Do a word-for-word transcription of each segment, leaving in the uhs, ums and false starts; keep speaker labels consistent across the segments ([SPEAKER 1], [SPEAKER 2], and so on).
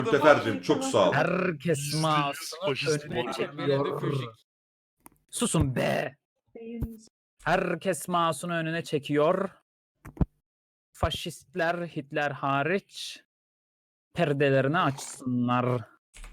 [SPEAKER 1] Mütefercim çok sağ ol.
[SPEAKER 2] Herkes
[SPEAKER 3] Yüzde yüz
[SPEAKER 2] mouse'unu
[SPEAKER 3] faşist
[SPEAKER 2] önüne
[SPEAKER 3] bu.
[SPEAKER 2] çekiyor. Susun be. Herkes mouse'unu önüne çekiyor. Faşistler, Hitler hariç perdelerini açsınlar.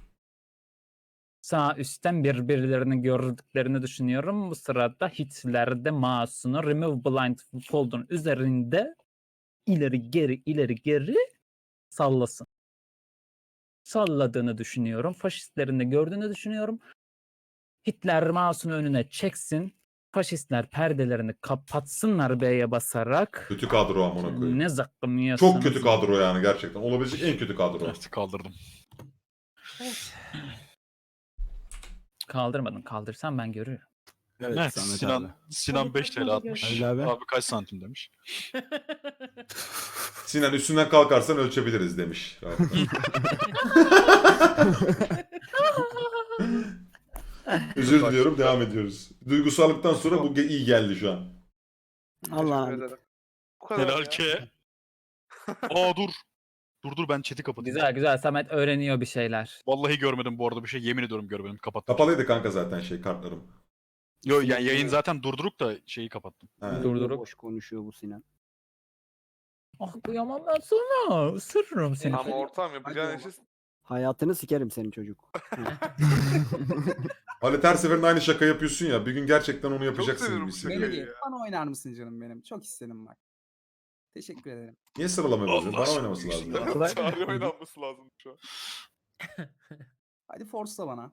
[SPEAKER 2] Sağ üstten birbirlerini gördüklerini düşünüyorum. Bu sırada Hitler de mouse'unu Remove Blindfold'un üzerinde ileri geri ileri geri sallasın. Salladığını düşünüyorum. Faşistlerin de gördüğünü düşünüyorum. Hitler mouse'unu önüne çeksin. Faşistler perdelerini kapatsınlar B'ye basarak.
[SPEAKER 1] Kötü kadro amına koyayım.
[SPEAKER 2] Ne zıkkım yiyorsunuz?
[SPEAKER 1] Çok kötü kadro yani gerçekten. Olabilecek en kötü kadro.
[SPEAKER 3] Evet kaldırdım.
[SPEAKER 2] Kaldırmadın. Kaldırsam ben görürüm.
[SPEAKER 4] Evet,
[SPEAKER 3] Evet,
[SPEAKER 4] Samet
[SPEAKER 3] Sinan
[SPEAKER 4] abi.
[SPEAKER 3] Sinan beş TL atmış.
[SPEAKER 4] Halil abi.
[SPEAKER 3] Abi kaç santim demiş.
[SPEAKER 1] Sinan üstünden kalkarsan ölçebiliriz demiş. Özür diliyorum, devam ediyoruz. Duygusallıktan sonra bu ge- iyi geldi şu an.
[SPEAKER 4] Allah.
[SPEAKER 5] Bu kadar
[SPEAKER 3] Helal
[SPEAKER 5] ya.
[SPEAKER 3] ki. Aa dur. Dur dur ben chat'i kapatayım.
[SPEAKER 2] Güzel güzel. Samet öğreniyor bir şeyler.
[SPEAKER 3] Vallahi görmedim bu arada bir şey. Yemin ediyorum görmedim. Kapattım.
[SPEAKER 1] Kapalıydı kanka zaten şey kartlarım.
[SPEAKER 3] Yo yani yayın zaten durduruk da şeyi kapattım.
[SPEAKER 1] He.
[SPEAKER 2] Dur. Durdurup.
[SPEAKER 4] Boş konuşuyor bu Sinan.
[SPEAKER 2] Ah kıyamam ben sana. Isırırım seni.
[SPEAKER 5] Ama ortam yapacağın işi
[SPEAKER 4] Hayatını sikerim senin çocuk.
[SPEAKER 1] Halit her seferinde aynı şaka yapıyorsun ya. Bir gün gerçekten onu
[SPEAKER 5] çok
[SPEAKER 1] yapacaksın
[SPEAKER 5] seviyorum
[SPEAKER 1] gibi
[SPEAKER 5] bu
[SPEAKER 1] hissediyorum.
[SPEAKER 5] şakayı
[SPEAKER 6] Melody,
[SPEAKER 5] ya.
[SPEAKER 6] bana oynar mısın canım benim? Çok istedim bak. Teşekkür ederim.
[SPEAKER 1] Niye sıralama bozuyor?
[SPEAKER 3] Allah
[SPEAKER 1] Bana
[SPEAKER 3] aşkına
[SPEAKER 1] oynaması lazım.
[SPEAKER 3] yüksek.
[SPEAKER 1] ya.
[SPEAKER 5] Çağrı oynanması lazım şu an.
[SPEAKER 6] Hadi force'la bana.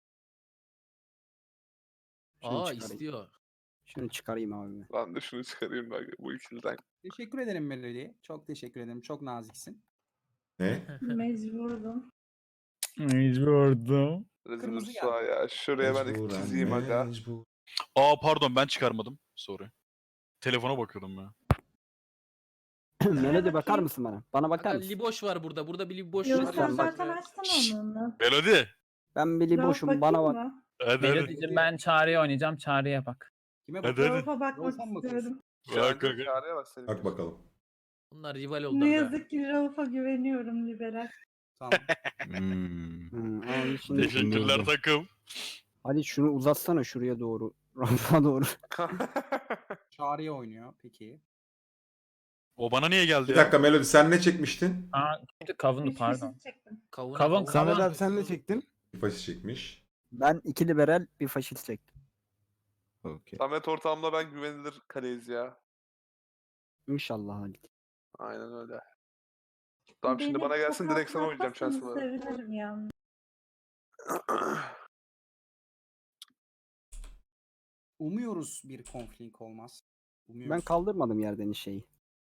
[SPEAKER 4] Şunu
[SPEAKER 7] Aa
[SPEAKER 4] çıkarayım.
[SPEAKER 7] istiyor.
[SPEAKER 4] Şunu çıkarayım abi.
[SPEAKER 5] Ben de şunu çıkarayım bak bu ikiliden.
[SPEAKER 6] Teşekkür ederim Melody. Çok teşekkür ederim. Çok naziksin.
[SPEAKER 1] Ne?
[SPEAKER 8] Mecburdum.
[SPEAKER 2] Mecburdum.
[SPEAKER 5] Rezil
[SPEAKER 6] Kırmızı
[SPEAKER 5] rüsva ya. Şuraya ben
[SPEAKER 1] Mecburen,
[SPEAKER 5] çizeyim aga.
[SPEAKER 1] mecbur.
[SPEAKER 3] Aa pardon ben çıkarmadım. Sorry. Telefona bakıyordum ya.
[SPEAKER 4] Melody bakar mısın bana? Bana bakar
[SPEAKER 7] Aga,
[SPEAKER 4] mısın?
[SPEAKER 7] liboş var burada. Burada bir liboş
[SPEAKER 8] Yok
[SPEAKER 7] var.
[SPEAKER 8] sen
[SPEAKER 4] bak.
[SPEAKER 8] zaten açtın onu.
[SPEAKER 3] Melody.
[SPEAKER 4] Ben Billy
[SPEAKER 8] Rauf
[SPEAKER 4] boşum bana
[SPEAKER 8] bakayım
[SPEAKER 4] bak.
[SPEAKER 8] mı?
[SPEAKER 3] Hadi hadi.
[SPEAKER 2] Melodi'cim ben Çağrı'ya oynayacağım. Çağrı'ya bak.
[SPEAKER 6] Kime
[SPEAKER 3] Hadi,
[SPEAKER 6] bakıyorsun?
[SPEAKER 3] hadi.
[SPEAKER 8] Rauf'a bakmak
[SPEAKER 6] Rauf'a mı bakıyorsun?
[SPEAKER 8] istiyorum.
[SPEAKER 3] Bak, bak.
[SPEAKER 5] Çağrı'ya bak senin.
[SPEAKER 1] Bak bakalım.
[SPEAKER 7] Bunlar rival oldu.
[SPEAKER 8] Ne
[SPEAKER 7] aga.
[SPEAKER 8] yazık ki Rauf'a güveniyorum liberal.
[SPEAKER 6] Tamam.
[SPEAKER 3] Hmm.
[SPEAKER 4] Hı, al şimdi-
[SPEAKER 3] Teşekkürler takım.
[SPEAKER 4] Hadi şunu uzatsana şuraya doğru. Rafa doğru.
[SPEAKER 6] Çağrı'ya oynuyor. Peki.
[SPEAKER 3] O bana niye geldi
[SPEAKER 1] Bir
[SPEAKER 3] ya?
[SPEAKER 1] dakika Melody sen ne çekmiştin?
[SPEAKER 2] Aa, kimdi? Kavundu
[SPEAKER 8] Bir
[SPEAKER 2] pardon.
[SPEAKER 8] faşist çektim.
[SPEAKER 7] Kavun,
[SPEAKER 2] Kavun,
[SPEAKER 9] Samet
[SPEAKER 2] kavun.
[SPEAKER 9] abi sen ne çektin?
[SPEAKER 1] Bir faşist çekmiş.
[SPEAKER 4] Ben iki liberal bir faşist çektim.
[SPEAKER 9] Okey.
[SPEAKER 5] Samet ortamda ben güvenilir kaleyiz ya.
[SPEAKER 4] İnşallah Halit.
[SPEAKER 5] Aynen öyle. Tamam şimdi
[SPEAKER 8] Beni
[SPEAKER 5] bana gelsin direkt sana oynayacağım
[SPEAKER 8] tokatlatmasanız
[SPEAKER 5] şansımı.
[SPEAKER 8] sevinirim ya.
[SPEAKER 6] Umuyoruz bir konflik olmaz. Umuyoruz.
[SPEAKER 4] Ben kaldırmadım yerden şeyi.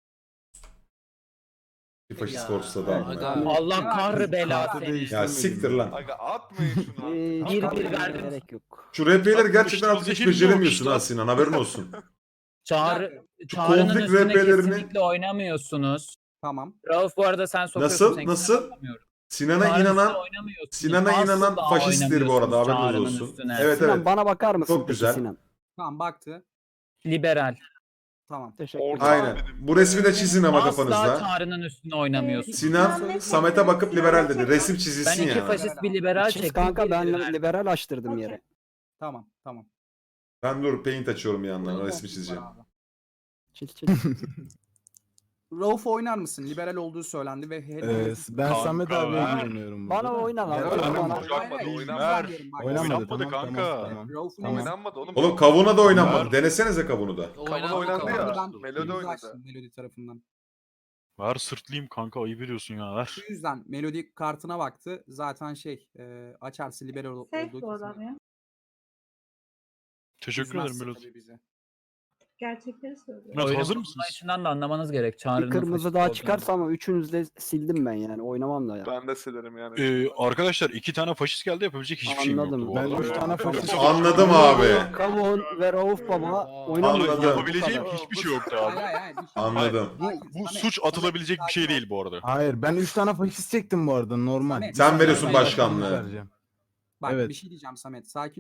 [SPEAKER 1] Bir faşist
[SPEAKER 7] Ya,
[SPEAKER 1] force'la da
[SPEAKER 7] aga.
[SPEAKER 1] amına.
[SPEAKER 2] Allah kahrı bela
[SPEAKER 9] Kartı
[SPEAKER 2] seni.
[SPEAKER 9] değiştirmedim.
[SPEAKER 1] Ya siktir lan.
[SPEAKER 5] Aga atmayın şunu.
[SPEAKER 4] Ee,
[SPEAKER 5] artık.
[SPEAKER 2] bir- bir
[SPEAKER 4] kaldırmaya
[SPEAKER 2] verdim.
[SPEAKER 4] gerek yok.
[SPEAKER 1] Şu R P'leri gerçekten
[SPEAKER 3] Atmıştı,
[SPEAKER 1] artık hiç
[SPEAKER 3] zehir
[SPEAKER 1] beceremiyorsun
[SPEAKER 3] yok
[SPEAKER 1] ha
[SPEAKER 3] işte.
[SPEAKER 1] Sinan, haberin olsun.
[SPEAKER 2] Çağrı,
[SPEAKER 1] Şu
[SPEAKER 2] Çağrı'nın
[SPEAKER 1] konflik
[SPEAKER 2] üstüne
[SPEAKER 1] R P'lerini-
[SPEAKER 2] kesinlikle oynamıyorsunuz.
[SPEAKER 6] Tamam.
[SPEAKER 2] Rauf bu arada sen sokuyorsun.
[SPEAKER 1] Nasıl?
[SPEAKER 2] sen
[SPEAKER 1] Nasıl?
[SPEAKER 2] oynamıyorum.
[SPEAKER 1] Sinan'a
[SPEAKER 2] Çağrı'nın
[SPEAKER 1] inanan
[SPEAKER 2] üstüne oynamıyorsunuz.
[SPEAKER 1] Sinan'a
[SPEAKER 2] Asla
[SPEAKER 1] inanan faşisttir bu arada,
[SPEAKER 2] oynamıyorsunuz
[SPEAKER 1] haberiniz
[SPEAKER 2] Çağrı'nın
[SPEAKER 1] olsun.
[SPEAKER 2] üstüne.
[SPEAKER 1] Evet
[SPEAKER 4] Sinan
[SPEAKER 1] evet.
[SPEAKER 4] bana bakar mısın
[SPEAKER 1] Çok
[SPEAKER 4] peki
[SPEAKER 1] güzel.
[SPEAKER 4] Sinan?
[SPEAKER 6] Tamam baktı.
[SPEAKER 2] Liberal.
[SPEAKER 6] Tamam.
[SPEAKER 4] Teşekkür
[SPEAKER 5] Orta-
[SPEAKER 4] ederim.
[SPEAKER 1] Aynen. Bu resmi de çizin ama
[SPEAKER 2] Asla
[SPEAKER 1] kafanızda.
[SPEAKER 2] Çağrı'nın üstüne oynamıyorsunuz.
[SPEAKER 1] Sinan
[SPEAKER 8] Ben ne
[SPEAKER 1] Samet'e
[SPEAKER 8] çektim?
[SPEAKER 1] bakıp liberal dedi.
[SPEAKER 8] Sinan
[SPEAKER 1] Resim
[SPEAKER 2] Ben
[SPEAKER 1] çizilsin
[SPEAKER 2] iki
[SPEAKER 1] yani.
[SPEAKER 2] faşist bir liberal
[SPEAKER 4] Çiz
[SPEAKER 2] çektim.
[SPEAKER 4] kanka
[SPEAKER 2] bir
[SPEAKER 4] ben
[SPEAKER 2] liberal.
[SPEAKER 4] liberal açtırdım
[SPEAKER 8] Okey.
[SPEAKER 4] yere.
[SPEAKER 6] Tamam. Tamam.
[SPEAKER 1] Ben dur paint açıyorum bir yandan.
[SPEAKER 6] Rauf
[SPEAKER 1] Resmi
[SPEAKER 6] var
[SPEAKER 1] çizeceğim.
[SPEAKER 6] abi.
[SPEAKER 4] Çiz çiz.
[SPEAKER 6] Rauf oynar mısın? Liberal olduğu söylendi ve
[SPEAKER 9] Ee,
[SPEAKER 6] hedef...
[SPEAKER 9] ben
[SPEAKER 3] Kanka,
[SPEAKER 9] Samet abiye
[SPEAKER 3] ver.
[SPEAKER 9] güveniyorum burada.
[SPEAKER 4] Bana
[SPEAKER 9] da.
[SPEAKER 4] oyna lan.
[SPEAKER 3] Ya,
[SPEAKER 4] oyna
[SPEAKER 3] oynamadı,
[SPEAKER 4] bana.
[SPEAKER 5] oynamadı,
[SPEAKER 6] Hayır,
[SPEAKER 5] oynamadı.
[SPEAKER 6] hayır, diyorum bak.
[SPEAKER 9] Oynamadı,
[SPEAKER 3] Oynamadı
[SPEAKER 9] tamam,
[SPEAKER 3] kanka.
[SPEAKER 9] Tamam, tamam.
[SPEAKER 6] Rauf'un
[SPEAKER 9] Tamam.
[SPEAKER 5] Oynanmadı oğlum.
[SPEAKER 1] Oğlum kavuna da oynanmadı.
[SPEAKER 3] Ver.
[SPEAKER 1] Denesenize kavunu da.
[SPEAKER 5] Kavunu
[SPEAKER 7] Oynadı,
[SPEAKER 5] oynandı ya.
[SPEAKER 7] kavunu.
[SPEAKER 5] Melodi
[SPEAKER 6] Melodi
[SPEAKER 5] oynadı.
[SPEAKER 6] Melodi tarafından.
[SPEAKER 3] Ver sırtlayayım kanka ayıp ediyorsun ya ver.
[SPEAKER 6] Şu yüzden Melodi kartına baktı. Zaten şey e, açarsa liberal ol-
[SPEAKER 8] Safe
[SPEAKER 6] olduğu
[SPEAKER 8] bu adam ya.
[SPEAKER 3] Teşekkür ederim
[SPEAKER 6] üzmezse
[SPEAKER 3] Melodi.
[SPEAKER 6] tabii bizi.
[SPEAKER 8] Gerçekleri söylüyor.
[SPEAKER 3] Evet,
[SPEAKER 2] Oyunun
[SPEAKER 3] hazır
[SPEAKER 2] bunun
[SPEAKER 3] mısınız?
[SPEAKER 2] içinden de anlamanız gerek. Çağrı'nın
[SPEAKER 4] Bir kırmızı
[SPEAKER 2] faşist
[SPEAKER 4] daha
[SPEAKER 2] olduğunu.
[SPEAKER 4] çıkarsa ama üçünüzü de sildim ben yani. Oynamam da ya.
[SPEAKER 5] Ben de silerim yani.
[SPEAKER 3] Ee, arkadaşlar iki tane faşist geldi yapabilecek hiçbir şeyim yoktu
[SPEAKER 4] Anladım.
[SPEAKER 3] bu
[SPEAKER 9] Ben
[SPEAKER 3] arada.
[SPEAKER 9] üç tane faşist
[SPEAKER 1] Anladım abi.
[SPEAKER 4] Kavun ve Rauf Baba oynamıyor.
[SPEAKER 1] Anladım.
[SPEAKER 3] Yapabileceğim hiçbir şey yoktu
[SPEAKER 6] Hayır
[SPEAKER 3] abi.
[SPEAKER 6] hayır hayır. bir şey-
[SPEAKER 1] Anladım.
[SPEAKER 3] Bu,
[SPEAKER 6] Hayır,
[SPEAKER 3] bu
[SPEAKER 6] Samet,
[SPEAKER 3] suç
[SPEAKER 6] Samet,
[SPEAKER 3] atılabilecek bir şey
[SPEAKER 6] sakin ol.
[SPEAKER 3] değil bu arada.
[SPEAKER 9] Hayır ben üç tane faşist çektim bu arada normal.
[SPEAKER 6] Samet,
[SPEAKER 1] Sen veriyorsun
[SPEAKER 6] Samet,
[SPEAKER 1] başkanlığı.
[SPEAKER 9] Vereceğim.
[SPEAKER 6] Bak
[SPEAKER 9] Evet.
[SPEAKER 6] bir şey diyeceğim Samet. Sakin ol.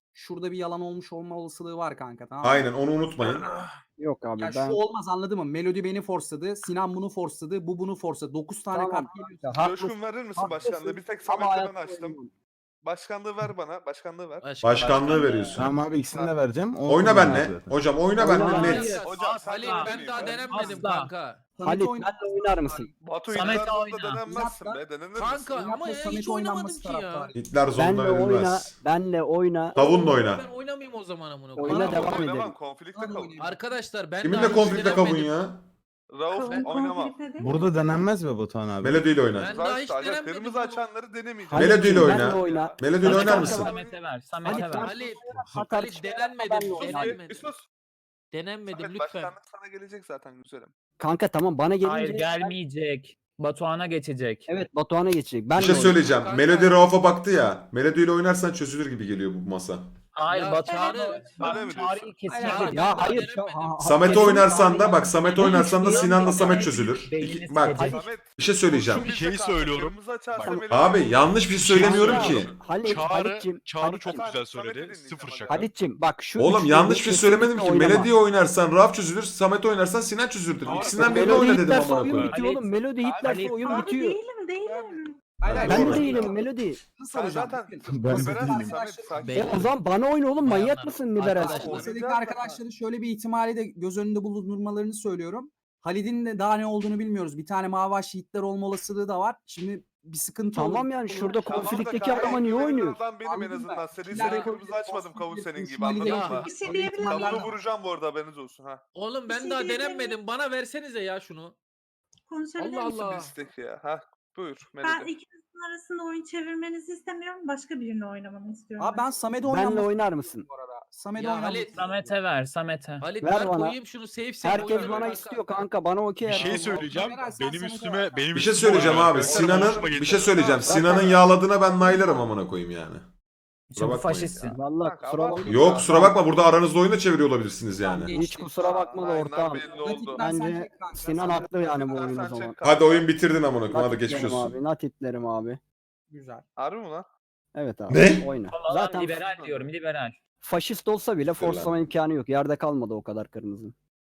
[SPEAKER 6] şurada bir yalan olmuş olma olasılığı var kanka, tamam mı?
[SPEAKER 1] Aynen onu unutmayın.
[SPEAKER 4] Yok abi
[SPEAKER 6] Ya
[SPEAKER 4] ben...
[SPEAKER 6] şu olmaz, anladın mı? Melody beni forsladı, Sinan bunu forsladı, bu bunu forsladı. dokuz tane
[SPEAKER 4] Tamam
[SPEAKER 6] kart
[SPEAKER 4] kanka,
[SPEAKER 6] geliyorsa.
[SPEAKER 4] haklısın.
[SPEAKER 5] Coşkun verir misin
[SPEAKER 4] haklısın.
[SPEAKER 5] başkanlığı? Bir tek
[SPEAKER 4] Ama
[SPEAKER 5] Samet'le ben
[SPEAKER 4] hayatta
[SPEAKER 5] açtım.
[SPEAKER 4] oynamam.
[SPEAKER 5] Başkanlığı ver bana. Başkanlığı ver.
[SPEAKER 7] Başkan-
[SPEAKER 1] Başkanlığı veriyorsun.
[SPEAKER 9] Tamam abi ikisini de vereceğim. O
[SPEAKER 1] Oyna
[SPEAKER 9] oynar
[SPEAKER 1] benle.
[SPEAKER 9] zaten.
[SPEAKER 1] Hocam oyna
[SPEAKER 4] Oyna
[SPEAKER 1] benle
[SPEAKER 4] benle.
[SPEAKER 1] net.
[SPEAKER 5] Hocam sen
[SPEAKER 7] Halil
[SPEAKER 5] de
[SPEAKER 7] ben daha
[SPEAKER 5] oynayayım ya.
[SPEAKER 7] denemedim
[SPEAKER 2] Asla.
[SPEAKER 7] kanka.
[SPEAKER 6] Samet'i
[SPEAKER 4] Halit
[SPEAKER 6] oyna-
[SPEAKER 4] benle oynar mısın?
[SPEAKER 5] Batu
[SPEAKER 2] Samet
[SPEAKER 5] Samet
[SPEAKER 2] oyna.
[SPEAKER 5] denenmezsin
[SPEAKER 6] Zaten-
[SPEAKER 5] be. Denenir
[SPEAKER 7] Kanka
[SPEAKER 5] misin?
[SPEAKER 6] Yapma,
[SPEAKER 7] ama ya
[SPEAKER 6] Samet
[SPEAKER 7] hiç
[SPEAKER 6] oynanması
[SPEAKER 7] oynamadım ki ya.
[SPEAKER 6] taraftarı.
[SPEAKER 1] Hitler zonda
[SPEAKER 4] Benle oyna,
[SPEAKER 1] verilmez.
[SPEAKER 4] benle oyna.
[SPEAKER 1] Tavunla oyna.
[SPEAKER 7] Ben oynamayayım o zaman amına
[SPEAKER 4] Oyna
[SPEAKER 7] koyayım.
[SPEAKER 4] devam
[SPEAKER 5] Oynamam,
[SPEAKER 4] edelim.
[SPEAKER 5] Konflikte
[SPEAKER 6] Hadi
[SPEAKER 5] kavun.
[SPEAKER 6] oynayalım.
[SPEAKER 7] Arkadaşlar ben
[SPEAKER 1] Kiminle
[SPEAKER 7] daha hiç
[SPEAKER 1] konflikte kavun
[SPEAKER 7] denemedim.
[SPEAKER 1] ya?
[SPEAKER 5] Rauf
[SPEAKER 8] Kavun
[SPEAKER 5] oynamam.
[SPEAKER 8] konflikte değil mi?
[SPEAKER 9] Burada denenmez mi Batuhan abi?
[SPEAKER 1] Melody ile oyna.
[SPEAKER 7] Ben daha hiç
[SPEAKER 5] Zaten
[SPEAKER 7] denemedim
[SPEAKER 5] kırmızı
[SPEAKER 7] bunu.
[SPEAKER 5] açanları denemeyeceğim.
[SPEAKER 4] Halit,
[SPEAKER 1] Melody ile
[SPEAKER 4] benle
[SPEAKER 1] oyna.
[SPEAKER 4] oyna.
[SPEAKER 1] Melody ile
[SPEAKER 4] Hadi
[SPEAKER 1] oynar
[SPEAKER 4] kanka,
[SPEAKER 1] mısın?
[SPEAKER 2] Samet'e ver. Samet'e
[SPEAKER 4] Halit,
[SPEAKER 2] ver.
[SPEAKER 7] Halit,
[SPEAKER 4] Hata
[SPEAKER 7] Halit
[SPEAKER 4] çıkarsa
[SPEAKER 7] denenmedim.
[SPEAKER 4] benle oyna.
[SPEAKER 7] Denenmedim.
[SPEAKER 5] Bir sus.
[SPEAKER 7] Denenmedim
[SPEAKER 5] Samet
[SPEAKER 7] lütfen.
[SPEAKER 5] başkanlık sana gelecek zaten güzelim.
[SPEAKER 4] Kanka tamam bana gelince...
[SPEAKER 2] Hayır gelmeyecek. Batuhan'a geçecek.
[SPEAKER 4] Evet Batuhan'a geçecek. Ben
[SPEAKER 1] Bir şey
[SPEAKER 4] de
[SPEAKER 1] söyleyeceğim.
[SPEAKER 7] Kanka.
[SPEAKER 1] Melody Rauf'a baktı ya. Melody ile oynarsan çözülür gibi geliyor bu masa.
[SPEAKER 2] Hayır
[SPEAKER 7] Ya
[SPEAKER 2] Batuhan'ı
[SPEAKER 7] Çağrı-
[SPEAKER 2] bak
[SPEAKER 5] Öyle mi
[SPEAKER 2] Çağrı'yı
[SPEAKER 5] diyorsun?
[SPEAKER 2] kesinlikle
[SPEAKER 7] Hayır,
[SPEAKER 4] oynayacak. Ya
[SPEAKER 7] ben
[SPEAKER 4] hayır.
[SPEAKER 7] denemedim.
[SPEAKER 4] ha- ha-
[SPEAKER 1] Samet'e
[SPEAKER 4] kesin
[SPEAKER 1] oynarsan da
[SPEAKER 4] Çağrı'yı-
[SPEAKER 1] bak Samet'e oynarsan da Sinan'la Samet çözülür.
[SPEAKER 2] Beynini
[SPEAKER 1] İki- bak
[SPEAKER 2] sikecek.
[SPEAKER 5] Samet.
[SPEAKER 1] bir şey söyleyeceğim.
[SPEAKER 3] Bir şey söylüyorum.
[SPEAKER 5] Kırmızı açarsa
[SPEAKER 3] Bak.
[SPEAKER 5] Melody-
[SPEAKER 1] Abi yanlış bir şey söylemiyorum ki.
[SPEAKER 4] Halit,
[SPEAKER 3] Çağrı,
[SPEAKER 4] Halit'cim,
[SPEAKER 3] Çağrı
[SPEAKER 4] Halit'cim,
[SPEAKER 3] çok güzel
[SPEAKER 5] Samet'i
[SPEAKER 3] söyledi.
[SPEAKER 5] dinleyeceğim
[SPEAKER 3] Sıfır
[SPEAKER 5] hadi.
[SPEAKER 3] şaka.
[SPEAKER 4] Halit'cim bak şu
[SPEAKER 1] Oğlum
[SPEAKER 4] üçlüyü
[SPEAKER 1] yanlış bir şey
[SPEAKER 4] kesinlikle
[SPEAKER 1] söylemedim ki.
[SPEAKER 4] oynama.
[SPEAKER 1] Melody'ye oynarsan Rauf çözülür. Samet'e oynarsan Sinan çözülür dedim. İkisinden birini
[SPEAKER 4] Melody
[SPEAKER 1] oyna dedim
[SPEAKER 4] hitlerse
[SPEAKER 1] amına
[SPEAKER 4] oyun
[SPEAKER 1] koyayım.
[SPEAKER 4] bitiyor oğlum. Melody hitlerse
[SPEAKER 2] Halit.
[SPEAKER 4] oyun
[SPEAKER 8] Abi
[SPEAKER 4] bitiyor.
[SPEAKER 8] değilim değilim.
[SPEAKER 6] Hayır, hayır,
[SPEAKER 4] Ben
[SPEAKER 1] Doğru.
[SPEAKER 4] de değilim Melody.
[SPEAKER 6] Şunu
[SPEAKER 5] Sen
[SPEAKER 6] soracağım.
[SPEAKER 5] zaten
[SPEAKER 9] Ben de
[SPEAKER 5] liberal
[SPEAKER 9] değilim.
[SPEAKER 5] Samet sakin.
[SPEAKER 7] Beyler.
[SPEAKER 4] E o zaman bana oyna oğlum, manyak
[SPEAKER 7] Bayanlar.
[SPEAKER 4] mısın liberal?
[SPEAKER 7] Arkadaşlar.
[SPEAKER 6] Lisedeki arkadaşların şöyle bir ihtimali de göz önünde bulundurmalarını söylüyorum. Halid'in de daha ne olduğunu bilmiyoruz. Bir tane Mavaş Yiğitler olma olasılığı da var. Şimdi bir sıkıntı olur.
[SPEAKER 4] Tamam yani şurada
[SPEAKER 5] Tamam da
[SPEAKER 4] konflikteki
[SPEAKER 5] kanka,
[SPEAKER 4] adama niye
[SPEAKER 5] en
[SPEAKER 4] oynuyor?
[SPEAKER 5] azından benim en
[SPEAKER 6] Anladım
[SPEAKER 5] azından.
[SPEAKER 6] ben.
[SPEAKER 5] Seni
[SPEAKER 6] Ya.
[SPEAKER 5] seni kırmızı açmadım kavun senin gibi
[SPEAKER 6] Ali de-
[SPEAKER 5] anladın mı?
[SPEAKER 8] Bir şey diyebilir miyim?
[SPEAKER 5] Kavunu vuracağım bu arada haberiniz olsun ha.
[SPEAKER 7] Oğlum
[SPEAKER 8] Bir
[SPEAKER 7] ben
[SPEAKER 8] şey
[SPEAKER 7] daha
[SPEAKER 8] diyebilir
[SPEAKER 7] denemedim. Bana versenize ya şunu.
[SPEAKER 8] Konuşabilir
[SPEAKER 7] Allah
[SPEAKER 8] miyim?
[SPEAKER 7] Allah.
[SPEAKER 5] Bir istek ya. Ha buyur
[SPEAKER 8] Ben
[SPEAKER 5] Melody.
[SPEAKER 8] ikinizin arasında oyun çevirmenizi istemiyorum. Başka birini oynamamı istiyorum.
[SPEAKER 6] Abi ben Samet'e
[SPEAKER 4] Benle
[SPEAKER 6] oynamak
[SPEAKER 4] oynar mısın?
[SPEAKER 6] bu arada. Samet'e
[SPEAKER 7] Ya
[SPEAKER 6] oynamak
[SPEAKER 7] Halit-
[SPEAKER 2] Samet'e ver. Samet'e.
[SPEAKER 7] Halit
[SPEAKER 4] Ver
[SPEAKER 7] ver
[SPEAKER 4] bana.
[SPEAKER 7] koyayım şunu save save
[SPEAKER 4] Herkes
[SPEAKER 7] oynayalım
[SPEAKER 4] bana
[SPEAKER 7] kanka.
[SPEAKER 4] istiyor kanka, bana okey.
[SPEAKER 3] Bir şey
[SPEAKER 4] ya.
[SPEAKER 3] söyleyeceğim.
[SPEAKER 6] Meral, sen
[SPEAKER 3] Benim
[SPEAKER 6] Samet'e
[SPEAKER 3] üstüme
[SPEAKER 6] ver.
[SPEAKER 3] benim
[SPEAKER 1] Bir şey
[SPEAKER 3] üstüme
[SPEAKER 1] söyleyeceğim
[SPEAKER 3] oynar.
[SPEAKER 1] abi.
[SPEAKER 3] Benim
[SPEAKER 1] Sinan'ın
[SPEAKER 3] hoşuma
[SPEAKER 1] bir
[SPEAKER 3] gitti.
[SPEAKER 1] şey söyleyeceğim.
[SPEAKER 4] Zaten-
[SPEAKER 1] Sinan'ın yağladığına ben naylarım amına koyayım yani.
[SPEAKER 2] Çünkü
[SPEAKER 1] bakmayın
[SPEAKER 2] faşistsin.
[SPEAKER 4] Vallahi
[SPEAKER 5] Kanka,
[SPEAKER 4] kusura
[SPEAKER 5] abartma.
[SPEAKER 4] bakma.
[SPEAKER 1] Yok kusura bakma burada aranızda oyunda çeviriyor olabilirsiniz yani.
[SPEAKER 4] Hiç kusura bakma da
[SPEAKER 5] Aynen
[SPEAKER 4] ortağım.
[SPEAKER 5] belli oldu.
[SPEAKER 6] Rakipten sen
[SPEAKER 4] Bence
[SPEAKER 6] çek kanka,
[SPEAKER 4] Sinan
[SPEAKER 6] sen-
[SPEAKER 4] haklı yani bu
[SPEAKER 5] Sen-
[SPEAKER 4] oyun o
[SPEAKER 5] sen
[SPEAKER 4] zaman.
[SPEAKER 5] çek kanka.
[SPEAKER 1] Hadi oyun bitirdin amına koyayım. Hadi geçmiş
[SPEAKER 4] Natitlerim
[SPEAKER 1] olsun.
[SPEAKER 4] abi, natitlerim abi.
[SPEAKER 6] Güzel.
[SPEAKER 5] Harbi mi lan?
[SPEAKER 4] Evet abi.
[SPEAKER 1] Ne?
[SPEAKER 4] Oyna.
[SPEAKER 2] Vallahi
[SPEAKER 4] Zaten
[SPEAKER 2] liberal diyorum liberal.
[SPEAKER 4] faşist olsa bile
[SPEAKER 1] Liberal.
[SPEAKER 4] forslama imkanı yok. Yerde kalmadı o kadar kırmızı.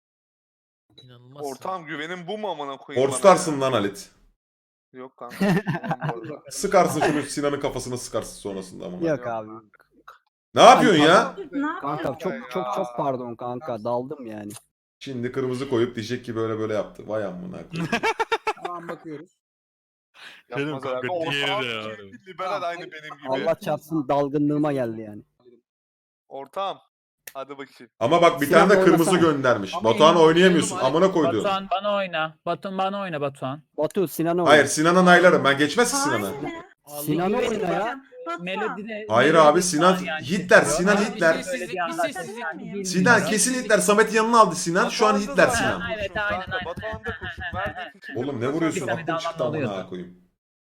[SPEAKER 7] İnanılmaz.
[SPEAKER 5] Ortağım güvenin bu mu amına koyayım bana
[SPEAKER 1] Forstarsın
[SPEAKER 5] ya?
[SPEAKER 1] lan Halit.
[SPEAKER 5] Yok kanka. Tamam bu arada.
[SPEAKER 1] Sıkarsın şunu Sinan'ın kafasına sıkarsın sonrasında amına.
[SPEAKER 4] Yok abi.
[SPEAKER 1] Ne yapıyorsun ya?
[SPEAKER 8] Ne yapıyorsun?
[SPEAKER 4] Kanka çok
[SPEAKER 5] Ya.
[SPEAKER 4] çok çok pardon kanka, daldım yani.
[SPEAKER 1] Şimdi kırmızı koyup diyecek ki böyle böyle yaptı. Vay amına koyayım.
[SPEAKER 6] Tamam bakıyoruz.
[SPEAKER 3] Dedim
[SPEAKER 5] Yapmaz
[SPEAKER 3] kanka,
[SPEAKER 5] herhalde.
[SPEAKER 3] diğeri de
[SPEAKER 5] Ortağım
[SPEAKER 3] ya.
[SPEAKER 5] kim? Liberal aynı benim gibi.
[SPEAKER 4] Allah çarpsın dalgınlığıma geldi yani.
[SPEAKER 5] Ortağım. Hadi bakayım.
[SPEAKER 1] Ama bak bir
[SPEAKER 4] Sinan
[SPEAKER 1] tane de kırmızı
[SPEAKER 4] oynasana.
[SPEAKER 1] göndermiş.
[SPEAKER 7] Ama
[SPEAKER 1] Batuhan
[SPEAKER 7] yine
[SPEAKER 1] oynayamıyorsun.
[SPEAKER 7] oynayalım,
[SPEAKER 1] Amına koydu.
[SPEAKER 2] Batuhan bana oyna. Batuhan bana oyna Batuhan.
[SPEAKER 4] Batu Sinan'a oyna.
[SPEAKER 1] Hayır Sinan'a naylarım. Ben geçmez ki Sinan'a.
[SPEAKER 8] Hayır.
[SPEAKER 4] Sinan'a
[SPEAKER 2] Allah
[SPEAKER 4] oyna ya.
[SPEAKER 8] Batuhan.
[SPEAKER 2] Melodide.
[SPEAKER 1] Hayır
[SPEAKER 2] Melodi
[SPEAKER 1] abi, Sinan-
[SPEAKER 2] var yani.
[SPEAKER 1] Hitler, Sinan
[SPEAKER 2] Öyle
[SPEAKER 1] Hitler.
[SPEAKER 2] bir
[SPEAKER 7] Sessizlik, bir
[SPEAKER 2] anlaşma
[SPEAKER 7] sessizlik.
[SPEAKER 2] yani bilmiyorum.
[SPEAKER 1] Sinan kesin Hitler. Samet'in yanına aldı Sinan. Şu an
[SPEAKER 5] Batuhan da
[SPEAKER 1] Hitler
[SPEAKER 5] zaten
[SPEAKER 1] Sinan.
[SPEAKER 2] Ha, evet,
[SPEAKER 5] kurşun
[SPEAKER 2] aynen,
[SPEAKER 5] kanka.
[SPEAKER 2] aynen.
[SPEAKER 5] Batuhan da kurşun. Verdik iki
[SPEAKER 1] Oğlum ne
[SPEAKER 5] kırmızı
[SPEAKER 1] vuruyorsun?
[SPEAKER 5] zaten.
[SPEAKER 2] Bir tane
[SPEAKER 1] Aklım çıktı
[SPEAKER 2] daha
[SPEAKER 1] amına
[SPEAKER 2] oluyordu.
[SPEAKER 1] koyayım.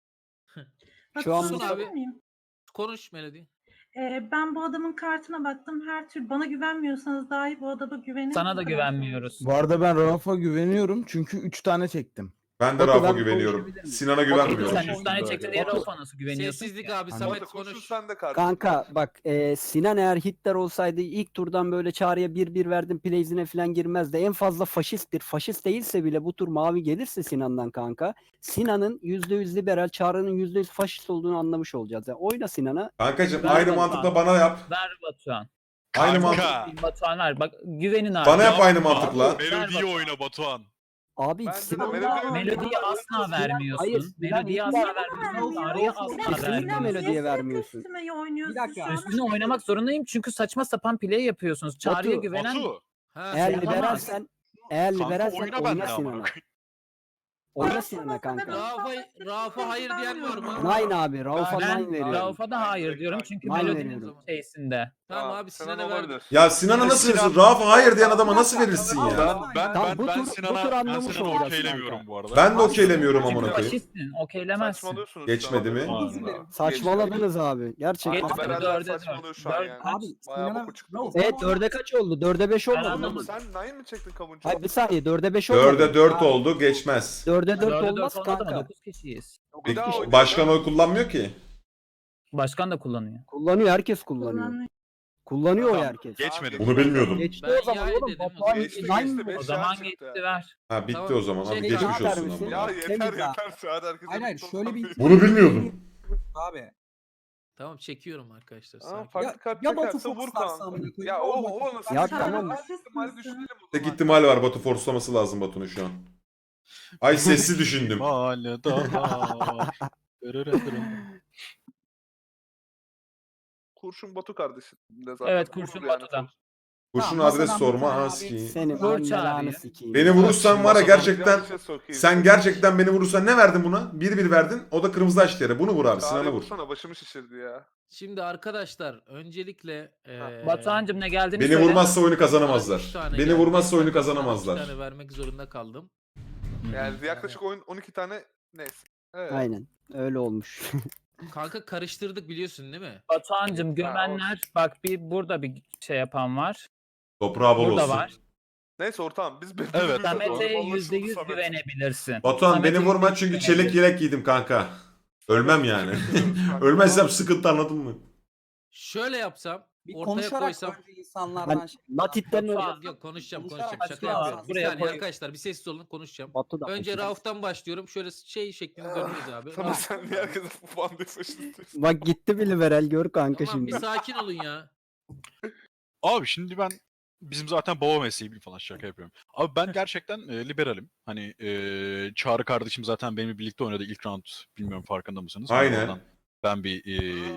[SPEAKER 4] Şu an
[SPEAKER 8] Batuhan,
[SPEAKER 7] bu-
[SPEAKER 8] sorabilir miyim?
[SPEAKER 7] Konuş Melody.
[SPEAKER 8] Ee, ben bu adamın kartına baktım. Her türlü bana güvenmiyorsanız dahi bu adama güvenin.
[SPEAKER 2] Sana da
[SPEAKER 8] Bu kadar.
[SPEAKER 2] güvenmiyoruz.
[SPEAKER 9] Bu arada ben Rauf'a güveniyorum çünkü üç tane çektim.
[SPEAKER 1] Ben de
[SPEAKER 4] Batu,
[SPEAKER 1] Rauf'a
[SPEAKER 4] ben
[SPEAKER 1] güveniyorum.
[SPEAKER 4] konuşabilir miyim?
[SPEAKER 1] Sinan'a
[SPEAKER 2] Sen
[SPEAKER 1] güvenmiyorum.
[SPEAKER 2] üç tane çektin diye
[SPEAKER 4] Batu-
[SPEAKER 2] Rauf'a nasıl güveniyorsun?
[SPEAKER 7] Sessizlik
[SPEAKER 2] ki?
[SPEAKER 7] abi
[SPEAKER 9] Hani-
[SPEAKER 7] Samet
[SPEAKER 5] Batu kurşun
[SPEAKER 7] konuş.
[SPEAKER 5] sende kardeşim.
[SPEAKER 4] Kanka bak e, Sinan eğer Hitler olsaydı ilk turdan böyle çağrıya bir bir verdim playsine falan girmezdi. En fazla faşisttir. Faşist değilse bile bu tur mavi gelirse Sinan'dan kanka. Sinan'ın yüzde yüz liberal, Çağrı'nın yüzde yüz faşist olduğunu anlamış olacağız. Yani oyna Sinan'a.
[SPEAKER 1] Kankacım
[SPEAKER 2] Ver
[SPEAKER 1] aynı
[SPEAKER 2] Batuhan.
[SPEAKER 1] mantıkla bana yap.
[SPEAKER 2] Ver Batuhan.
[SPEAKER 1] Aynı mantık.
[SPEAKER 3] Kanka.
[SPEAKER 2] Batuhan ver. Bak güvenin abi.
[SPEAKER 1] Bana yap
[SPEAKER 3] Yapma.
[SPEAKER 1] aynı mantıkla.
[SPEAKER 3] Melodiyi oyna Batuhan.
[SPEAKER 4] Abi
[SPEAKER 5] Bence de
[SPEAKER 4] Sinan
[SPEAKER 5] Melody-
[SPEAKER 2] Melodiyi asla vermiyorsun.
[SPEAKER 4] Hayır,
[SPEAKER 2] Melodiyi
[SPEAKER 4] Sinan
[SPEAKER 2] asla
[SPEAKER 4] hiç
[SPEAKER 2] vermiyorsun.
[SPEAKER 8] vermiyor.
[SPEAKER 2] Çağrı'yı asla
[SPEAKER 4] Kesinlikle
[SPEAKER 2] vermiyorsun.
[SPEAKER 4] Melodi'ye vermiyorsun.
[SPEAKER 8] Üstüme oynuyorsun
[SPEAKER 6] Bir dakika.
[SPEAKER 8] şu an.
[SPEAKER 2] Üstüne oynamak zorundayım çünkü saçma sapan play yapıyorsunuz. Çağrı'ya
[SPEAKER 4] Batu,
[SPEAKER 2] güvenen
[SPEAKER 3] Batu.
[SPEAKER 7] Ha,
[SPEAKER 4] Eğer
[SPEAKER 2] Yapamaz.
[SPEAKER 4] liberalsen eğer
[SPEAKER 3] Kanka
[SPEAKER 4] liberalsen
[SPEAKER 3] oyna
[SPEAKER 4] oyna,
[SPEAKER 3] benimle amına
[SPEAKER 4] Sinan'a.
[SPEAKER 3] koyayım.
[SPEAKER 4] Oyna Sinan'a kanka.
[SPEAKER 7] Rauf'a Rauf'a hayır diyen var mı?
[SPEAKER 4] Nine abi. Rauf'a
[SPEAKER 2] ben
[SPEAKER 4] nine veriyorum.
[SPEAKER 2] Rauf'a da hayır diyorum çünkü
[SPEAKER 4] Ben
[SPEAKER 2] Melodi'nin
[SPEAKER 4] veriyorum.
[SPEAKER 2] şeysinde.
[SPEAKER 7] Tamam abi
[SPEAKER 5] Sinan
[SPEAKER 7] Sinan'a verdim.
[SPEAKER 5] olabilir.
[SPEAKER 1] Ya Sinan'a nasıl
[SPEAKER 3] Sinan-
[SPEAKER 1] verirsin? Rauf'a hayır diyen adama nasıl verirsin
[SPEAKER 3] Ben
[SPEAKER 1] ya?
[SPEAKER 3] ben
[SPEAKER 4] Tamam,
[SPEAKER 3] ben,
[SPEAKER 4] bu
[SPEAKER 3] ben
[SPEAKER 4] tur- bu tur
[SPEAKER 3] Sinan'a ben
[SPEAKER 4] anlamış
[SPEAKER 3] Sinan'a
[SPEAKER 4] olacağız
[SPEAKER 3] okeylemiyorum
[SPEAKER 4] kanka.
[SPEAKER 3] bu arada.
[SPEAKER 1] Ben de okeylemiyorum
[SPEAKER 2] Çünkü
[SPEAKER 1] amına koyayım.
[SPEAKER 2] faşistsin. Okeylemezsin.
[SPEAKER 5] Saçmalıyorsunuz.
[SPEAKER 1] Geçmedi
[SPEAKER 5] şu an.
[SPEAKER 1] mi?
[SPEAKER 6] Özür dilerim.
[SPEAKER 4] Saçmaladınız abi. Gerçekten.
[SPEAKER 5] Aynen,
[SPEAKER 2] Geçmedi,
[SPEAKER 5] beraber
[SPEAKER 2] dörde
[SPEAKER 5] saçmalıyor
[SPEAKER 2] dört.
[SPEAKER 5] şu an
[SPEAKER 2] Dört-
[SPEAKER 5] yani.
[SPEAKER 6] Abi
[SPEAKER 5] Bayağı
[SPEAKER 6] Sinan'a
[SPEAKER 5] boku çıktı.
[SPEAKER 6] Rauf,
[SPEAKER 4] Evet dörde kaç oldu? dörde beş oldu.
[SPEAKER 2] Ben
[SPEAKER 4] mu?
[SPEAKER 2] anlamadım.
[SPEAKER 5] Sen nine mi çektin kavuncu?
[SPEAKER 4] Hayır bir saniye dörde beş oldu.
[SPEAKER 1] Dörde dört oldu geçmez.
[SPEAKER 4] dörde dört
[SPEAKER 2] Dörde dört
[SPEAKER 4] olmaz
[SPEAKER 2] olmadı ama
[SPEAKER 4] kanka.
[SPEAKER 2] dokuz kişiyiz.
[SPEAKER 5] Bir daha oynayalım.
[SPEAKER 1] Başkan oy kullanmıyor ki.
[SPEAKER 2] Başkan da kullanıyor.
[SPEAKER 4] Kullanıyor, herkes kullanıyor.
[SPEAKER 8] Kullanıyor.
[SPEAKER 4] Kullanıyor
[SPEAKER 3] Tamam.
[SPEAKER 4] o herkes.
[SPEAKER 3] Geçmedi.
[SPEAKER 1] Bunu bilmiyordum.
[SPEAKER 4] Geçti
[SPEAKER 7] Ben
[SPEAKER 4] o zaman
[SPEAKER 7] yay
[SPEAKER 4] oğlum.
[SPEAKER 7] dedim o
[SPEAKER 4] Batuhan
[SPEAKER 7] zaman.
[SPEAKER 5] Geçti,
[SPEAKER 4] nine
[SPEAKER 5] geçti,
[SPEAKER 4] mi?
[SPEAKER 5] beş
[SPEAKER 2] O zaman
[SPEAKER 5] çıktı.
[SPEAKER 2] geçti ver.
[SPEAKER 1] Ha bitti
[SPEAKER 7] Tamam.
[SPEAKER 1] o zaman. Hadi
[SPEAKER 7] Şey,
[SPEAKER 1] geçmiş
[SPEAKER 4] Kaan
[SPEAKER 1] olsun
[SPEAKER 4] servisi.
[SPEAKER 1] ama.
[SPEAKER 5] Ya
[SPEAKER 4] Temiz
[SPEAKER 5] yeter
[SPEAKER 4] abi.
[SPEAKER 5] yeter şu an herkese
[SPEAKER 6] Hayır hayır
[SPEAKER 5] mutlu
[SPEAKER 6] şöyle bir
[SPEAKER 5] olsun.
[SPEAKER 1] Bunu bilmiyordum.
[SPEAKER 6] abi.
[SPEAKER 7] Tamam çekiyorum arkadaşlar.
[SPEAKER 5] Aa,
[SPEAKER 7] sakin.
[SPEAKER 5] farklı
[SPEAKER 6] Ya-
[SPEAKER 5] kart
[SPEAKER 6] ya Batu
[SPEAKER 5] çekerse vur
[SPEAKER 6] Fox'larsa
[SPEAKER 5] kanka.
[SPEAKER 6] amına koyayım,
[SPEAKER 5] Ya
[SPEAKER 6] ne
[SPEAKER 5] o
[SPEAKER 6] olacak?
[SPEAKER 5] o nasıl?
[SPEAKER 4] Ya
[SPEAKER 5] bir şey?
[SPEAKER 4] tamam.
[SPEAKER 5] Her ihtimali düşünelim o
[SPEAKER 1] Tek
[SPEAKER 5] zaman.
[SPEAKER 1] ihtimal var. Batu forslaması lazım Batu'nun şu an. Ay sessiz düşündüm.
[SPEAKER 3] Mahalle daha.
[SPEAKER 5] Kurşun Batu kardeşim. de zaten
[SPEAKER 2] Evet,
[SPEAKER 5] vurur
[SPEAKER 2] Kurşun
[SPEAKER 5] yani.
[SPEAKER 2] Batu'da.
[SPEAKER 1] Kurşun
[SPEAKER 6] Tamam,
[SPEAKER 1] adres
[SPEAKER 6] masadan bir
[SPEAKER 1] sorma
[SPEAKER 6] tane
[SPEAKER 1] aski.
[SPEAKER 6] abi
[SPEAKER 4] Senin
[SPEAKER 2] Vur
[SPEAKER 4] ben
[SPEAKER 2] çağrıyı.
[SPEAKER 4] belanı sikeyim.
[SPEAKER 1] Beni
[SPEAKER 4] ya.
[SPEAKER 1] vurursan var ya
[SPEAKER 5] Masadan
[SPEAKER 1] gerçekten
[SPEAKER 5] yanlışa sokayım
[SPEAKER 1] sen
[SPEAKER 5] seni.
[SPEAKER 1] gerçekten beni vurursan ne verdin buna? bir bir verdin. O da kırmızı açtı yere. Bunu vur abi.
[SPEAKER 5] Çağrı'yı
[SPEAKER 1] Sinan'a vur.
[SPEAKER 5] vursana başımı şişirdi ya.
[SPEAKER 7] Şimdi arkadaşlar öncelikle eee
[SPEAKER 2] Batuhan'cım ne geldiğini
[SPEAKER 1] Beni
[SPEAKER 2] söyle.
[SPEAKER 1] vurmazsa oyunu
[SPEAKER 7] üç
[SPEAKER 1] kazanamazlar.
[SPEAKER 7] tane
[SPEAKER 1] Beni
[SPEAKER 7] geldi.
[SPEAKER 1] vurmazsa oyunu
[SPEAKER 7] Ben de sana
[SPEAKER 1] kazanamazlar.
[SPEAKER 7] üç tane vermek zorunda kaldım.
[SPEAKER 5] Yani yaklaşık oyun on iki tane neyse. Evet.
[SPEAKER 4] Aynen. Öyle olmuş.
[SPEAKER 7] Kanka karıştırdık biliyorsun değil mi?
[SPEAKER 2] Batuhan'cım gömenler bak bir burada bir şey yapan var.
[SPEAKER 1] Toprağı bol
[SPEAKER 2] Burada
[SPEAKER 1] olsun.
[SPEAKER 2] var.
[SPEAKER 5] Neyse ortağım biz
[SPEAKER 3] Evet.
[SPEAKER 5] birbirimize
[SPEAKER 2] Samet'e
[SPEAKER 5] doğru
[SPEAKER 2] yüzde yüz
[SPEAKER 5] anlaşıldı Samet.
[SPEAKER 2] güvenebilirsin.
[SPEAKER 1] Batuhan
[SPEAKER 2] Samet'e
[SPEAKER 1] beni vurma
[SPEAKER 2] yüzde yüz
[SPEAKER 1] çünkü çelik
[SPEAKER 2] güvenebilirsin.
[SPEAKER 1] yelek giydim kanka. Ölmem yani.
[SPEAKER 5] Kanka.
[SPEAKER 1] Ölmezsem sıkıntı anladın mı?
[SPEAKER 7] Şöyle yapsam,
[SPEAKER 6] Bir
[SPEAKER 7] ortaya
[SPEAKER 6] konuşarak
[SPEAKER 7] koysam.
[SPEAKER 6] önce insanlardan
[SPEAKER 4] Ben
[SPEAKER 6] şey.
[SPEAKER 4] Natit'ten
[SPEAKER 2] Batuhan-
[SPEAKER 4] önce
[SPEAKER 7] Yok yok konuşacağım
[SPEAKER 6] Konuşarak
[SPEAKER 7] konuşacağım şaka
[SPEAKER 2] açıklama
[SPEAKER 7] yapıyorum. Bir
[SPEAKER 2] buraya
[SPEAKER 7] saniye
[SPEAKER 2] koy.
[SPEAKER 7] arkadaşlar bir sessiz olun konuşacağım.
[SPEAKER 4] Batu da
[SPEAKER 7] Önce
[SPEAKER 4] faşist.
[SPEAKER 7] Rauf'tan başlıyorum. Şöyle şey şeklinde dönüyoruz abi.
[SPEAKER 5] Sana
[SPEAKER 7] Rauf-
[SPEAKER 5] sen niye herkese bu bandı faşist?
[SPEAKER 4] Bak gitti bir liberal gör kanka
[SPEAKER 7] Tamam bir
[SPEAKER 4] şimdi.
[SPEAKER 7] sakin olun ya.
[SPEAKER 3] Abi şimdi ben bizim zaten baba mesleği falan şaka yapıyorum. Abi ben gerçekten e, liberalim. Hani e, Çağrı kardeşim zaten benimle birlikte oynadı ilk round. Bilmiyorum farkında mısınız? Hani
[SPEAKER 1] Aynen.
[SPEAKER 3] oradan Ben bir e,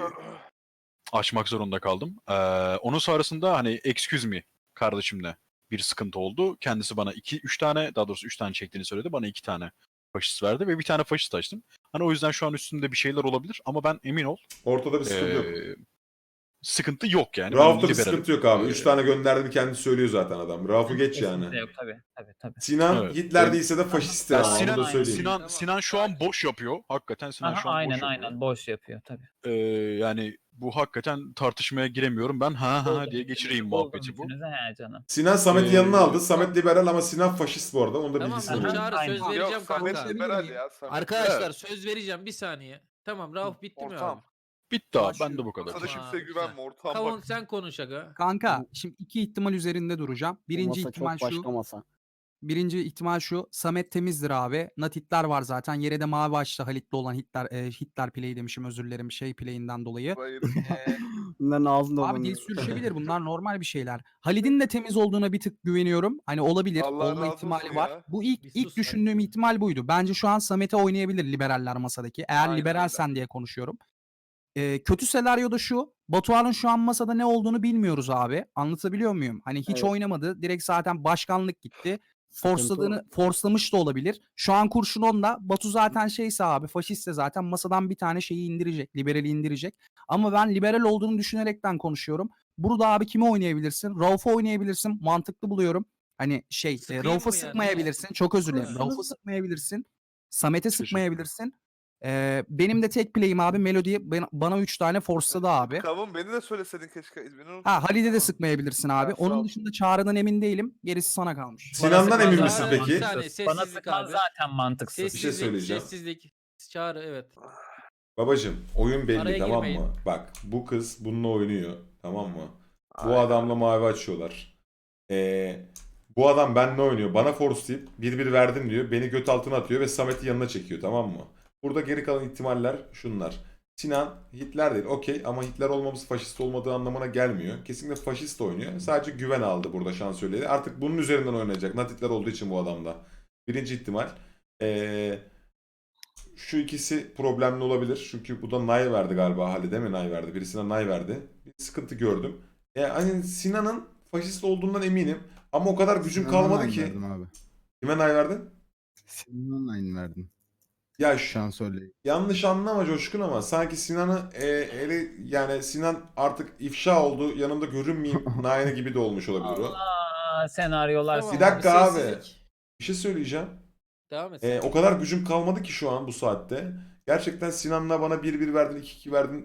[SPEAKER 3] açmak zorunda kaldım. Ee, onun sonrasında hani excuse me kardeşimle bir sıkıntı oldu. Kendisi bana iki üç tane daha doğrusu üç tane çektiğini söyledi. Bana iki tane faşist verdi ve bir tane faşist açtım. Hani o yüzden şu an üstümde bir şeyler olabilir ama ben emin ol
[SPEAKER 1] Ortada bir sıkıntı yok.
[SPEAKER 3] e, sıkıntı yok yani.
[SPEAKER 1] Rauf'ta bir
[SPEAKER 3] liberalim.
[SPEAKER 1] sıkıntı yok abi.
[SPEAKER 3] Ee,
[SPEAKER 1] Üç tane gönderdiğini kendisi söylüyor zaten adam. Rauf'u geç
[SPEAKER 2] Kesinlikle
[SPEAKER 1] yani.
[SPEAKER 2] Yok tabii tabii tabii.
[SPEAKER 1] Sinan
[SPEAKER 3] Evet.
[SPEAKER 1] Hitler
[SPEAKER 3] Ben-
[SPEAKER 1] değilse de faşisttir
[SPEAKER 3] Ya
[SPEAKER 1] ama onu
[SPEAKER 3] Sinan,
[SPEAKER 1] da söyleyeyim.
[SPEAKER 3] Sinan,
[SPEAKER 7] Tamam.
[SPEAKER 3] Sinan şu an boş yapıyor. Hakikaten Sinan
[SPEAKER 2] Aha,
[SPEAKER 3] şu an
[SPEAKER 2] aynen
[SPEAKER 3] boş yapıyor.
[SPEAKER 2] aynen boş yapıyor tabii.
[SPEAKER 3] Ee, yani bu hakikaten tartışmaya giremiyorum. Ben ha ha diye geçireyim muhabbeti bu.
[SPEAKER 2] Bütünüze he canım.
[SPEAKER 1] Sinan Samet'i
[SPEAKER 3] Ee,
[SPEAKER 1] yanına aldı. Samet liberal ama Sinan faşist bu arada. Onu da
[SPEAKER 7] Tamam
[SPEAKER 1] bilgisini
[SPEAKER 2] aha.
[SPEAKER 1] verin.
[SPEAKER 7] Çağrı
[SPEAKER 2] Aynen.
[SPEAKER 7] söz
[SPEAKER 2] Yok,
[SPEAKER 7] vereceğim
[SPEAKER 5] Yok Samet
[SPEAKER 7] kanka.
[SPEAKER 5] liberal ya. Samet.
[SPEAKER 7] Arkadaşlar söz vereceğim bir saniye. Tamam Rauf bitti mi
[SPEAKER 5] Ortağım.
[SPEAKER 7] abi?
[SPEAKER 3] Bitti abi.
[SPEAKER 6] Başlıyor.
[SPEAKER 3] Ben de bu kadar.
[SPEAKER 5] Sana
[SPEAKER 7] Tamam.
[SPEAKER 5] kimseye güvenme ortağım
[SPEAKER 7] Kavun
[SPEAKER 5] bak.
[SPEAKER 7] sen konuş aga.
[SPEAKER 6] Kanka şimdi iki ihtimal üzerinde duracağım.
[SPEAKER 4] Bu
[SPEAKER 6] Birinci
[SPEAKER 4] masa
[SPEAKER 6] ihtimal
[SPEAKER 4] çok
[SPEAKER 6] şu.
[SPEAKER 4] başka masa.
[SPEAKER 6] Birinci ihtimal şu. Samet temizdir abi. Natitler var zaten. Yere de mavi açtı Halit'le olan Hitler e, Hitler play demişim özür dilerim şey play'inden dolayı.
[SPEAKER 5] Hayır.
[SPEAKER 6] Ee,
[SPEAKER 4] Bunların ağzında
[SPEAKER 6] abi
[SPEAKER 4] olan.
[SPEAKER 6] dil sürüşebilir bunlar normal bir şeyler. Halid'in de temiz olduğuna bir tık güveniyorum. Hani olabilir.
[SPEAKER 5] Allah
[SPEAKER 6] olma
[SPEAKER 5] razı
[SPEAKER 6] ihtimali
[SPEAKER 5] olsun
[SPEAKER 6] var.
[SPEAKER 5] ya.
[SPEAKER 6] Bu ilk
[SPEAKER 7] Bir
[SPEAKER 6] ilk
[SPEAKER 7] sus
[SPEAKER 6] düşündüğüm ihtimal buydu. Bence şu an Samet'e oynayabilir liberaller masadaki. Eğer
[SPEAKER 5] Aynen
[SPEAKER 6] liberalsen diye konuşuyorum. Ee, kötü senaryoda şu. Batuhan'ın şu an masada ne olduğunu bilmiyoruz abi. Anlatabiliyor muyum? Hani hiç
[SPEAKER 4] Evet.
[SPEAKER 6] oynamadı. Direkt zaten başkanlık gitti.
[SPEAKER 4] Sıkıntı
[SPEAKER 6] Forceladığını, forslamış da olabilir. Şu an kurşun onda. Batu zaten şeyse abi faşistse zaten masadan bir tane şeyi indirecek. Liberali indirecek. Ama ben liberal olduğunu düşünerekten konuşuyorum. Burada abi kimi oynayabilirsin? Rauf'u oynayabilirsin. Mantıklı buluyorum. Hani şey, e,
[SPEAKER 7] Sıkayım
[SPEAKER 6] Rauf'a
[SPEAKER 7] mı yani?
[SPEAKER 6] sıkmayabilirsin. Çok özür dilerim.
[SPEAKER 7] Evet.
[SPEAKER 6] Rauf'a sıkmayabilirsin. Samet'e
[SPEAKER 3] Teşekkür.
[SPEAKER 6] sıkmayabilirsin. Ee, benim de tek play'im abi Melody'ye ben- bana üç tane forsladı abi.
[SPEAKER 5] Kavun beni de söyleseydin keşke. Beni unutma.
[SPEAKER 6] Ha Halid'e de
[SPEAKER 5] Tamam.
[SPEAKER 6] sıkmayabilirsin abi.
[SPEAKER 5] Ha, sağ ol.
[SPEAKER 6] Onun dışında Çağrı'dan emin değilim. Gerisi sana kalmış.
[SPEAKER 1] Sinan'dan
[SPEAKER 2] Bana
[SPEAKER 1] emin
[SPEAKER 2] sıkman
[SPEAKER 1] misin
[SPEAKER 2] zaten
[SPEAKER 1] peki?
[SPEAKER 7] Bir saniye,
[SPEAKER 2] mantıksız. Bana
[SPEAKER 7] sessizlik
[SPEAKER 2] sıkman
[SPEAKER 7] abi.
[SPEAKER 2] zaten mantıksız.
[SPEAKER 1] şey
[SPEAKER 7] Sessizlik,
[SPEAKER 1] söyleyeceğim.
[SPEAKER 7] sessizlik. Çağrı evet.
[SPEAKER 1] Babacım oyun belli
[SPEAKER 7] Araya
[SPEAKER 1] tamam
[SPEAKER 7] girmeyin.
[SPEAKER 1] mı? Bak bu kız bununla oynuyor tamam mı? Bu
[SPEAKER 5] Aynen.
[SPEAKER 1] adamla mavi açıyorlar. Ee, bu adam benimle oynuyor. Bana forcelayıp bir bir verdim diyor. Beni göt altına atıyor ve Samet'i yanına çekiyor tamam mı? Burada geri kalan ihtimaller şunlar. Sinan Hitler değil okey ama Hitler olmamız faşist olmadığı anlamına gelmiyor. Kesinlikle faşist oynuyor. Sadece güven aldı burada şansölyeyle. Artık bunun üzerinden oynayacak. Nat Hitler olduğu için bu adamda. Birinci ihtimal. Ee, şu ikisi problemli olabilir. Çünkü bu da Nay verdi galiba. Halide mi Nay verdi? Birisine Nay verdi. Bir sıkıntı gördüm. Yani hani Sinan'ın faşist olduğundan eminim. Ama o kadar gücüm
[SPEAKER 9] Sinan'a
[SPEAKER 1] kalmadı
[SPEAKER 9] nine
[SPEAKER 1] ki.
[SPEAKER 9] Verdim abi.
[SPEAKER 1] Kime Nay verdin?
[SPEAKER 9] Sinan'a nine verdim.
[SPEAKER 1] Ya şu,
[SPEAKER 9] Şansölye.
[SPEAKER 1] yanlış anlama Coşkun ama sanki Sinan'ı e, eli yani Sinan artık ifşa oldu. Yanımda görünmeyeyim Nayne gibi de olmuş olabilir o.
[SPEAKER 2] Allah senaryolar.
[SPEAKER 7] Tamam
[SPEAKER 1] Bir dakika abi.
[SPEAKER 7] sessizlik.
[SPEAKER 1] Bir şey söyleyeceğim.
[SPEAKER 7] Devam et.
[SPEAKER 1] E, o kadar gücüm kalmadı ki şu an bu saatte. Gerçekten Sinan'la bana bir bir verdin, iki iki verdin.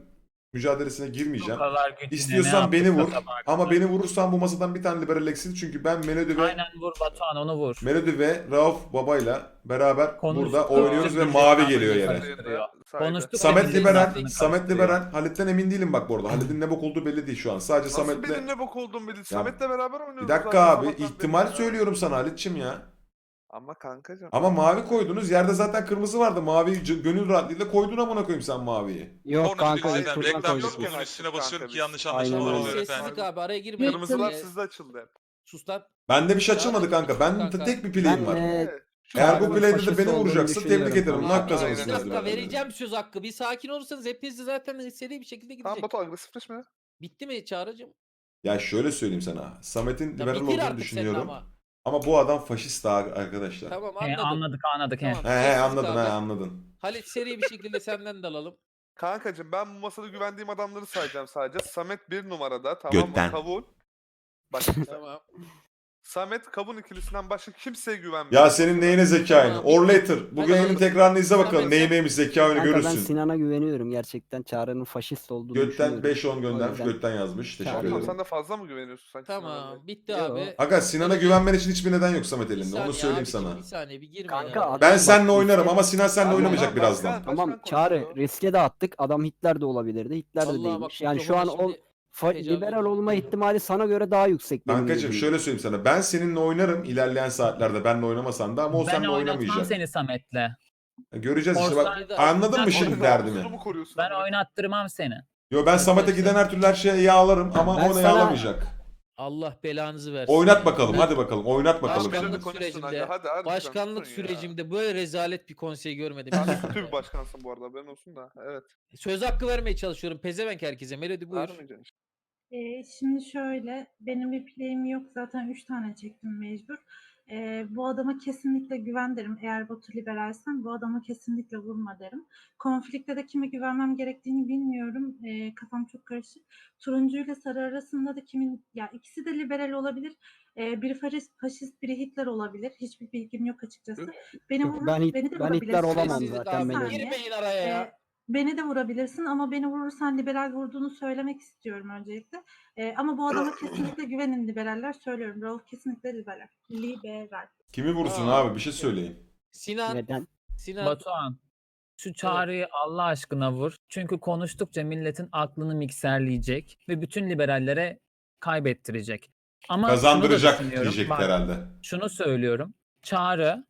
[SPEAKER 1] mücadelesine
[SPEAKER 2] Bu
[SPEAKER 1] girmeyeceğim.
[SPEAKER 2] kadar gücüne ne
[SPEAKER 1] İstiyorsan beni
[SPEAKER 2] yaptıysa
[SPEAKER 1] vur.
[SPEAKER 2] sabaha
[SPEAKER 1] Ama
[SPEAKER 2] kadar.
[SPEAKER 1] beni vurursan bu masadan bir tane liberal eksil. Çünkü ben Melody ve
[SPEAKER 2] Aynen vur Batuhan onu vur.
[SPEAKER 1] Melody ve Rauf babayla beraber
[SPEAKER 2] Konuştuk.
[SPEAKER 1] burada oynuyoruz ve
[SPEAKER 2] Konuştuk.
[SPEAKER 1] mavi
[SPEAKER 2] Konuştuk.
[SPEAKER 1] geliyor yere.
[SPEAKER 2] Karıştırıyor.
[SPEAKER 5] Saydı.
[SPEAKER 2] Konuştuk.
[SPEAKER 1] Samet
[SPEAKER 2] Millet
[SPEAKER 1] liberal,
[SPEAKER 2] aklını
[SPEAKER 1] Samet
[SPEAKER 2] karıştırıyor.
[SPEAKER 1] liberal. Halit'ten emin değilim bak bu arada. Halit'in ne bok olduğu belli değil şu an. Sadece
[SPEAKER 5] Nasıl
[SPEAKER 1] Samet'le...
[SPEAKER 5] benim ne bok olduğumu bildi. Samet'le beraber oynuyoruz.
[SPEAKER 1] Bir dakika
[SPEAKER 5] zaten
[SPEAKER 1] abi,
[SPEAKER 5] sabahtan beri
[SPEAKER 1] ihtimal
[SPEAKER 5] ya.
[SPEAKER 1] söylüyorum sana Halit'çim ya.
[SPEAKER 5] Ama kankacım.
[SPEAKER 1] Ama mavi koydunuz. Yerde zaten kırmızı vardı. Maviyi c- gönül rahatlığıyla koydun amına koyayım sen maviyi.
[SPEAKER 4] Yok
[SPEAKER 10] Sonra
[SPEAKER 4] kanka
[SPEAKER 10] zaten
[SPEAKER 4] ilk turdan
[SPEAKER 10] reklam
[SPEAKER 4] koyduk.
[SPEAKER 10] yok onun üstüne basıyorum ki yanlış
[SPEAKER 4] Aynen
[SPEAKER 10] anlaşılmalar
[SPEAKER 4] öyle.
[SPEAKER 10] oluyor efendim.
[SPEAKER 7] Sessizlik abi araya girmeyin.
[SPEAKER 5] Kırmızılar
[SPEAKER 7] Ee,
[SPEAKER 5] sizde açıldı hep.
[SPEAKER 7] Sus lan.
[SPEAKER 1] Bende bir şey
[SPEAKER 7] Ya,
[SPEAKER 1] açılmadı kanka. Ben
[SPEAKER 7] kanka.
[SPEAKER 1] tek bir
[SPEAKER 4] Ben
[SPEAKER 1] play'im var.
[SPEAKER 4] e,
[SPEAKER 5] Evet.
[SPEAKER 1] Eğer bu
[SPEAKER 4] Çağrı'nın
[SPEAKER 1] play'de de
[SPEAKER 4] faşist
[SPEAKER 1] beni
[SPEAKER 4] olduğunu
[SPEAKER 1] vuracaksın tebrik
[SPEAKER 4] düşünüyorum
[SPEAKER 1] ederim.
[SPEAKER 4] kanka.
[SPEAKER 1] Hak
[SPEAKER 7] Abi,
[SPEAKER 1] kazanırsınız
[SPEAKER 7] bir dakika
[SPEAKER 1] birader.
[SPEAKER 7] vereceğim söz hakkı. Bir sakin olursanız hepiniz de zaten seri bir şekilde
[SPEAKER 5] Tamam
[SPEAKER 7] gidecek.
[SPEAKER 5] Batu agresifleşme.
[SPEAKER 7] Bitti mi Çağrı'cığım?
[SPEAKER 1] Ya şöyle söyleyeyim sana. Samet'in
[SPEAKER 7] Ya
[SPEAKER 1] liberal
[SPEAKER 7] bitir
[SPEAKER 1] olduğunu
[SPEAKER 7] artık senin
[SPEAKER 1] düşünüyorum.
[SPEAKER 7] ama.
[SPEAKER 1] Ama bu adam faşist daha arkadaşlar.
[SPEAKER 7] Tamam
[SPEAKER 2] He,
[SPEAKER 7] anladım.
[SPEAKER 2] anladık anladık he.
[SPEAKER 7] Tamam.
[SPEAKER 1] He he
[SPEAKER 7] Sessizlik
[SPEAKER 1] anladın
[SPEAKER 7] abi.
[SPEAKER 1] he anladın.
[SPEAKER 7] Halit seri bir şekilde senden de alalım.
[SPEAKER 5] Kankacım ben bu masada güvendiğim adamları sayacağım sadece. Samet bir numarada tamam
[SPEAKER 1] Götten.
[SPEAKER 5] mı? Kavun. Bak
[SPEAKER 7] Tamam.
[SPEAKER 5] Samet Kavun ikilisinden başka kimseye güvenmiyor.
[SPEAKER 1] Ya senin neyine zeka oyunu?
[SPEAKER 7] Tamam.
[SPEAKER 1] Or later. Bugün
[SPEAKER 7] Hadi
[SPEAKER 1] yayının
[SPEAKER 7] oğlum.
[SPEAKER 1] tekrarını izle bakalım.
[SPEAKER 7] Samet,
[SPEAKER 1] Neyi
[SPEAKER 7] sen-
[SPEAKER 1] neymiş zeka oyunu
[SPEAKER 4] Kanka ben
[SPEAKER 1] görürsün.
[SPEAKER 4] Sinan'a güveniyorum gerçekten. Çağrı'nın faşist olduğunu
[SPEAKER 1] Götten
[SPEAKER 4] düşünüyorum.
[SPEAKER 1] beş on
[SPEAKER 4] O
[SPEAKER 1] göndermiş.
[SPEAKER 4] yüzden-
[SPEAKER 1] Götten yazmış. Teşekkür
[SPEAKER 4] Çağrı-
[SPEAKER 5] Tamam,
[SPEAKER 1] ederim.
[SPEAKER 5] sen de fazla mı güveniyorsun sanki? Sinan'a
[SPEAKER 7] Tamam.
[SPEAKER 5] böyle?
[SPEAKER 7] Bitti
[SPEAKER 4] Yo.
[SPEAKER 7] abi.
[SPEAKER 1] Aga Sinan'a
[SPEAKER 7] Evet.
[SPEAKER 1] güvenmen için hiçbir neden yok Samet
[SPEAKER 7] Bir
[SPEAKER 1] elinde.
[SPEAKER 7] saniye
[SPEAKER 1] Onu söyleyeyim
[SPEAKER 7] abiciğim,
[SPEAKER 1] sana.
[SPEAKER 7] Bir saniye bir girmeyin.
[SPEAKER 4] Kanka
[SPEAKER 7] araya.
[SPEAKER 4] adam
[SPEAKER 1] Ben
[SPEAKER 4] bak,
[SPEAKER 1] seninle oynarım
[SPEAKER 4] riske-
[SPEAKER 1] ama Sinan seninle
[SPEAKER 5] Ama
[SPEAKER 1] oynamayacak
[SPEAKER 5] bak,
[SPEAKER 1] birazdan.
[SPEAKER 5] başkan-
[SPEAKER 4] Tamam
[SPEAKER 5] Başkan
[SPEAKER 4] Çağrı
[SPEAKER 5] konuşuyor.
[SPEAKER 4] riske de attık. Adam Hitler de olabilirdi. Hitler de
[SPEAKER 7] Vallahi bak
[SPEAKER 4] değilmiş.
[SPEAKER 7] bu
[SPEAKER 4] Yani şu an
[SPEAKER 7] mikrofonu
[SPEAKER 4] o
[SPEAKER 7] şimdi
[SPEAKER 4] fa-
[SPEAKER 7] heyecanlı
[SPEAKER 4] liberal
[SPEAKER 7] oldum.
[SPEAKER 4] olma ihtimali sana göre daha yüksek. benim
[SPEAKER 1] Kankacığım
[SPEAKER 4] gözümde.
[SPEAKER 1] şöyle söyleyeyim sana. Ben seninle oynarım ilerleyen saatlerde. Benle oynamasan da ama o
[SPEAKER 2] Ben
[SPEAKER 1] seninle
[SPEAKER 2] oynatmam
[SPEAKER 1] oynamayacak.
[SPEAKER 2] seni Samet'le.
[SPEAKER 1] Göreceğiz işte bak.
[SPEAKER 2] Orsaydı-
[SPEAKER 1] Anladın mı
[SPEAKER 2] Ben
[SPEAKER 1] şimdi
[SPEAKER 5] Orada
[SPEAKER 1] derdimi?
[SPEAKER 5] namusunu mu koruyorsun
[SPEAKER 2] Ben
[SPEAKER 5] amına?
[SPEAKER 2] oynattırmam seni.
[SPEAKER 1] Yo ben Samet'e giden her türlü her şeye yağlarım ama
[SPEAKER 4] Ben
[SPEAKER 1] o ne
[SPEAKER 4] sana-
[SPEAKER 1] yağlamayacak.
[SPEAKER 7] Allah belanızı versin.
[SPEAKER 1] Oynat
[SPEAKER 7] ya.
[SPEAKER 1] bakalım
[SPEAKER 7] Ben
[SPEAKER 1] hadi bakalım oynat bakalım.
[SPEAKER 5] Başkanlık
[SPEAKER 7] Başkanlık
[SPEAKER 5] konuşsun
[SPEAKER 7] sürecinde-
[SPEAKER 5] hadi, hadi, hadi
[SPEAKER 7] Başkanlık
[SPEAKER 5] konuşsun ya.
[SPEAKER 7] sürecimde böyle rezalet bir konsey görmedim.
[SPEAKER 5] Sen kötü bir başkansın bu arada haberin olsun da. Evet.
[SPEAKER 7] Söz hakkı vermeye çalışıyorum. Pezevenk herkese. Melody buyur.
[SPEAKER 5] Vermeyeceksin işte.
[SPEAKER 8] Ee, şimdi şöyle, benim bir play'im yok zaten üç tane çektim mecbur. Ee, bu adama kesinlikle güven derim. Eğer Batu liberalsen bu adama kesinlikle vurma derim. Konflikte de kime güvenmem gerektiğini bilmiyorum. Ee, kafam çok karışık. Turuncu ile sarı arasında da kimin, ya ikisi de liberal olabilir. Ee, biri faşist, faşist, biri Hitler olabilir. Hiçbir bilgim yok açıkçası. Beni vurur,
[SPEAKER 4] Ben Hit-
[SPEAKER 8] beni de
[SPEAKER 4] ben Hitler
[SPEAKER 8] vurabilirsin.
[SPEAKER 4] olamam
[SPEAKER 7] Sessizlik
[SPEAKER 4] zaten
[SPEAKER 7] abi.
[SPEAKER 8] Bir
[SPEAKER 4] benim.
[SPEAKER 8] saniye.
[SPEAKER 7] Girmeyin araya ya.
[SPEAKER 8] Ee, Beni de vurabilirsin ama beni vurursan liberal vurduğunu söylemek istiyorum öncelikle. Ee, ama bu adama kesinlikle güvenin liberaller. Söylüyorum. Rauf kesinlikle liberal. Liberal.
[SPEAKER 1] Kimi vursun
[SPEAKER 7] Aa.
[SPEAKER 1] abi bir şey söyleyin.
[SPEAKER 7] Sinan.
[SPEAKER 4] Neden?
[SPEAKER 7] Sinan.
[SPEAKER 2] Batuhan. Şu çağrıyı Allah aşkına vur. Çünkü konuştukça milletin aklını mikserleyecek ve bütün liberallere kaybettirecek. Ama şunu da
[SPEAKER 1] Kazandıracak
[SPEAKER 2] düşünüyorum.
[SPEAKER 1] diyecek
[SPEAKER 2] Bak,
[SPEAKER 1] herhalde.
[SPEAKER 2] şunu söylüyorum. Çağrı,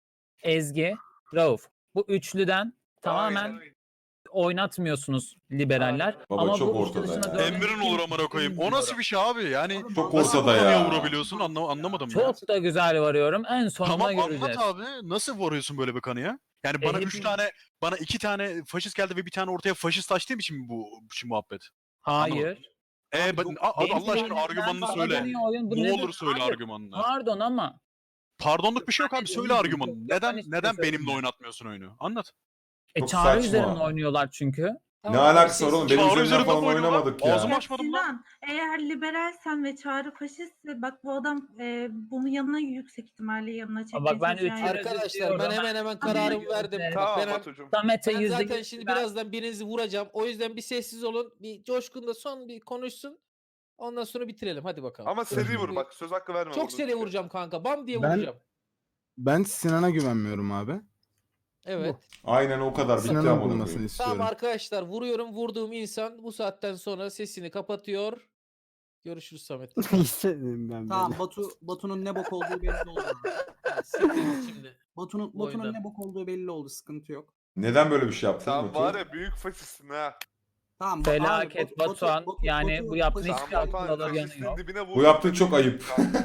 [SPEAKER 2] Ezgi, Rauf. Bu üçlüden tamamen oynatmıyorsunuz liberaller.
[SPEAKER 1] Baba
[SPEAKER 2] ama
[SPEAKER 1] çok
[SPEAKER 2] bu
[SPEAKER 1] ortada
[SPEAKER 2] üçlü dışında
[SPEAKER 1] ya.
[SPEAKER 2] dördüncü
[SPEAKER 3] Emrin olur amına koyayım. O nasıl bir şey abi? Yani
[SPEAKER 1] Çok
[SPEAKER 3] nasıl
[SPEAKER 1] ortada
[SPEAKER 3] bu konuya
[SPEAKER 1] ya.
[SPEAKER 3] vurabiliyorsun? Anla anlamadım ya.
[SPEAKER 2] Çok da güzel varıyorum. En sonunda
[SPEAKER 3] Tamam
[SPEAKER 2] göreceğiz.
[SPEAKER 3] anlat abi. Nasıl vuruyorsun böyle bir kanıya? Yani
[SPEAKER 2] E,
[SPEAKER 3] bana üç
[SPEAKER 2] hepimiz-
[SPEAKER 3] tane, bana iki tane faşist geldi ve bir tane ortaya faşist açtığım için mi bu şu muhabbet?
[SPEAKER 2] Hayır.
[SPEAKER 3] E ben, a-
[SPEAKER 2] Benim
[SPEAKER 3] Allah aşkına
[SPEAKER 2] oyunum-
[SPEAKER 3] argümanını
[SPEAKER 2] ben
[SPEAKER 3] söyle.
[SPEAKER 2] bana oyun- bu
[SPEAKER 3] Ne
[SPEAKER 2] nedir?
[SPEAKER 3] olur söyle
[SPEAKER 2] Hayır.
[SPEAKER 3] argümanını.
[SPEAKER 2] Pardon ama
[SPEAKER 3] Pardonluk bir şey yok abi. Söyle
[SPEAKER 2] Yok,
[SPEAKER 3] argümanını.
[SPEAKER 2] yok,
[SPEAKER 3] Neden
[SPEAKER 2] ben hiçbir
[SPEAKER 3] neden
[SPEAKER 2] şey
[SPEAKER 3] benimle
[SPEAKER 2] söylemiyorum.
[SPEAKER 3] oynatmıyorsun oyunu? Anlat.
[SPEAKER 2] e,
[SPEAKER 1] Çok
[SPEAKER 2] çağrı
[SPEAKER 1] saçma.
[SPEAKER 2] üzerinden oynuyorlar çünkü.
[SPEAKER 1] Ne
[SPEAKER 7] Tamam abi,
[SPEAKER 1] alakası var oğlum? Benim
[SPEAKER 3] Çağrı
[SPEAKER 1] üzerimden
[SPEAKER 3] üzerinden
[SPEAKER 1] falan
[SPEAKER 3] oynuyorlar.
[SPEAKER 1] oynamadık ya.
[SPEAKER 3] Ağzımı
[SPEAKER 8] Ya
[SPEAKER 3] açmadım lan.
[SPEAKER 8] Sinan, eğer liberalsen ve Çağrı faşistse bak bu adam e, bunu yanına yüksek ihtimalle yanına çekmeye
[SPEAKER 2] bak ben
[SPEAKER 8] çalışıyor.
[SPEAKER 2] üç-
[SPEAKER 8] Yani
[SPEAKER 7] Arkadaşlar ben
[SPEAKER 2] diyorum.
[SPEAKER 7] hemen hemen
[SPEAKER 2] Ben-
[SPEAKER 7] kararımı verdim.
[SPEAKER 2] Ben-
[SPEAKER 7] Bak,
[SPEAKER 5] Tamam
[SPEAKER 7] ben,
[SPEAKER 5] Batucuğum.
[SPEAKER 2] Samet'e
[SPEAKER 7] ben
[SPEAKER 2] yüzde
[SPEAKER 7] zaten
[SPEAKER 2] yüz
[SPEAKER 7] şimdi
[SPEAKER 2] güven-
[SPEAKER 7] birazdan birinizi vuracağım. O yüzden bir sessiz olun. Bir Coşkun da son bir konuşsun. Ondan sonra bitirelim. Hadi bakalım.
[SPEAKER 5] Ama seri
[SPEAKER 7] Coşkun
[SPEAKER 5] vur
[SPEAKER 7] bir-
[SPEAKER 5] bak söz hakkı verme.
[SPEAKER 7] Çok
[SPEAKER 5] vurdun
[SPEAKER 7] seri
[SPEAKER 5] çünkü.
[SPEAKER 7] vuracağım kanka. Bam diye
[SPEAKER 9] Ben-
[SPEAKER 7] vuracağım.
[SPEAKER 9] Ben Sinan'a güvenmiyorum abi.
[SPEAKER 7] Evet.
[SPEAKER 1] Aynen o kadar bitti
[SPEAKER 9] Sinan'ın
[SPEAKER 1] amına
[SPEAKER 9] bulmasını
[SPEAKER 1] koyayım.
[SPEAKER 9] istiyorum.
[SPEAKER 7] Tamam arkadaşlar vuruyorum. Vurduğum insan bu saatten sonra sesini kapatıyor. Görüşürüz Samet.
[SPEAKER 4] İstedim ben
[SPEAKER 6] Tamam
[SPEAKER 4] böyle.
[SPEAKER 6] Batu Batu'nun ne bok olduğu belli oldu. abi.
[SPEAKER 7] Siktir git şimdi.
[SPEAKER 6] Batu'nun
[SPEAKER 7] Bu
[SPEAKER 6] Batu'nun
[SPEAKER 7] oyundan.
[SPEAKER 6] ne bok olduğu belli oldu. Sıkıntı yok.
[SPEAKER 1] Neden böyle bir şey yaptın?
[SPEAKER 5] Sen
[SPEAKER 1] Batu?
[SPEAKER 5] var ya büyük faşistsin ha.
[SPEAKER 6] Tamam. Ba-
[SPEAKER 2] Felaket
[SPEAKER 6] abi, Batu-
[SPEAKER 2] Batuhan.
[SPEAKER 6] Batu-
[SPEAKER 2] yani
[SPEAKER 6] Batu-
[SPEAKER 2] bu yaptığın
[SPEAKER 6] Batu-
[SPEAKER 2] hiçbir
[SPEAKER 5] Sen
[SPEAKER 2] akıl
[SPEAKER 5] Batuhan
[SPEAKER 2] alır yanı
[SPEAKER 5] faşistin
[SPEAKER 2] yok.
[SPEAKER 5] dibine vurdun.
[SPEAKER 1] Bu yaptığın çok ayıp.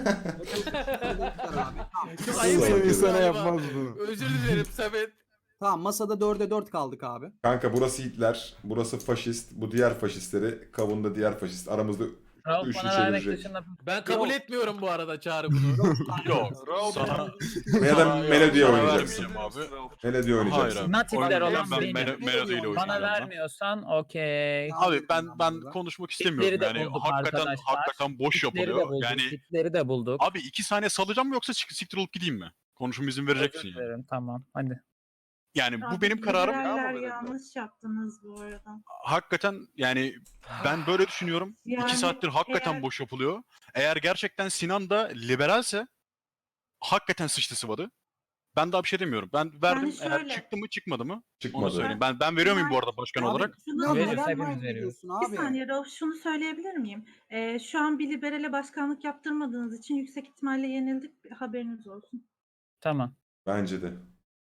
[SPEAKER 7] Çok
[SPEAKER 1] ayıp
[SPEAKER 9] Sevgi
[SPEAKER 1] ediyorum
[SPEAKER 9] sana
[SPEAKER 7] galiba.
[SPEAKER 9] yapmaz bunu.
[SPEAKER 7] Özür dilerim Samet.
[SPEAKER 6] Tamam masada dörde dört kaldık abi.
[SPEAKER 1] Kanka burası Hitler, burası faşist, bu diğer faşistleri, kavunda diğer faşist. Aramızda
[SPEAKER 2] Rauf
[SPEAKER 1] üçlü
[SPEAKER 2] bana vermek
[SPEAKER 1] çevirecek.
[SPEAKER 2] dışında
[SPEAKER 7] Ben kabul
[SPEAKER 6] Yok.
[SPEAKER 7] etmiyorum bu arada Çağrı bunu.
[SPEAKER 3] Yok.
[SPEAKER 5] Rauf.
[SPEAKER 3] Sana,
[SPEAKER 1] Ya da
[SPEAKER 3] Sana-
[SPEAKER 1] Melody'ye
[SPEAKER 3] sana
[SPEAKER 1] oynayacaksın.
[SPEAKER 3] vermeyeceğim abi.
[SPEAKER 1] Melody'ye oynayacaksın.
[SPEAKER 3] Hayır abi.
[SPEAKER 2] Natifler
[SPEAKER 3] Oynayacağım,
[SPEAKER 2] olan
[SPEAKER 3] ben
[SPEAKER 2] benim.
[SPEAKER 3] Melo- Melody ile
[SPEAKER 2] bana
[SPEAKER 3] oynayacağım ben.
[SPEAKER 2] vermiyorsan okey.
[SPEAKER 3] Abi ben ben konuşmak istemiyorum
[SPEAKER 2] Hitler'i de
[SPEAKER 3] yani
[SPEAKER 2] bulduk
[SPEAKER 3] hakikaten
[SPEAKER 2] arkadaşlar.
[SPEAKER 3] hakikaten boş
[SPEAKER 2] Hitler'i de
[SPEAKER 3] yapılıyor.
[SPEAKER 2] bulduk.
[SPEAKER 3] Yani
[SPEAKER 2] Hitler'i de bulduk.
[SPEAKER 3] abi iki saniye salacağım mı yoksa çık- siktir olup gideyim mi? Konuşmama izin verecek misin
[SPEAKER 2] Özür
[SPEAKER 3] yani?
[SPEAKER 2] dilerim, tamam hadi.
[SPEAKER 3] Yani bu
[SPEAKER 8] Abi,
[SPEAKER 3] benim kararım.
[SPEAKER 5] Ya
[SPEAKER 8] liberaller
[SPEAKER 5] verebilirim.
[SPEAKER 8] yanlış yaptınız bu arada.
[SPEAKER 3] Hakikaten yani ben böyle düşünüyorum.
[SPEAKER 8] Yani
[SPEAKER 3] İki saattir hakikaten
[SPEAKER 8] eğer-
[SPEAKER 3] boş yapılıyor. Eğer gerçekten Sinan da liberalse hakikaten sıçtı sıvadı. Ben daha bir şey demiyorum. Ben verdim. Eğer
[SPEAKER 8] şöyle-
[SPEAKER 3] çıktı mı çıkmadı mı? Onu
[SPEAKER 1] Çıkmadı.
[SPEAKER 3] söyleyeyim. Ben ben veriyor muyum bu arada başkan
[SPEAKER 4] Abi,
[SPEAKER 3] olarak?
[SPEAKER 8] Şunu
[SPEAKER 4] ya
[SPEAKER 2] Veririz,
[SPEAKER 4] neden
[SPEAKER 2] hepimiz
[SPEAKER 4] mind
[SPEAKER 2] veriyoruz.
[SPEAKER 4] ediyorsun
[SPEAKER 8] Bir
[SPEAKER 4] abi?
[SPEAKER 8] saniye Rauf, şunu söyleyebilir miyim? Ee, şu an bir liberale başkanlık yaptırmadığınız için yüksek ihtimalle yenildik. Haberiniz olsun.
[SPEAKER 2] Tamam.
[SPEAKER 1] Bence de.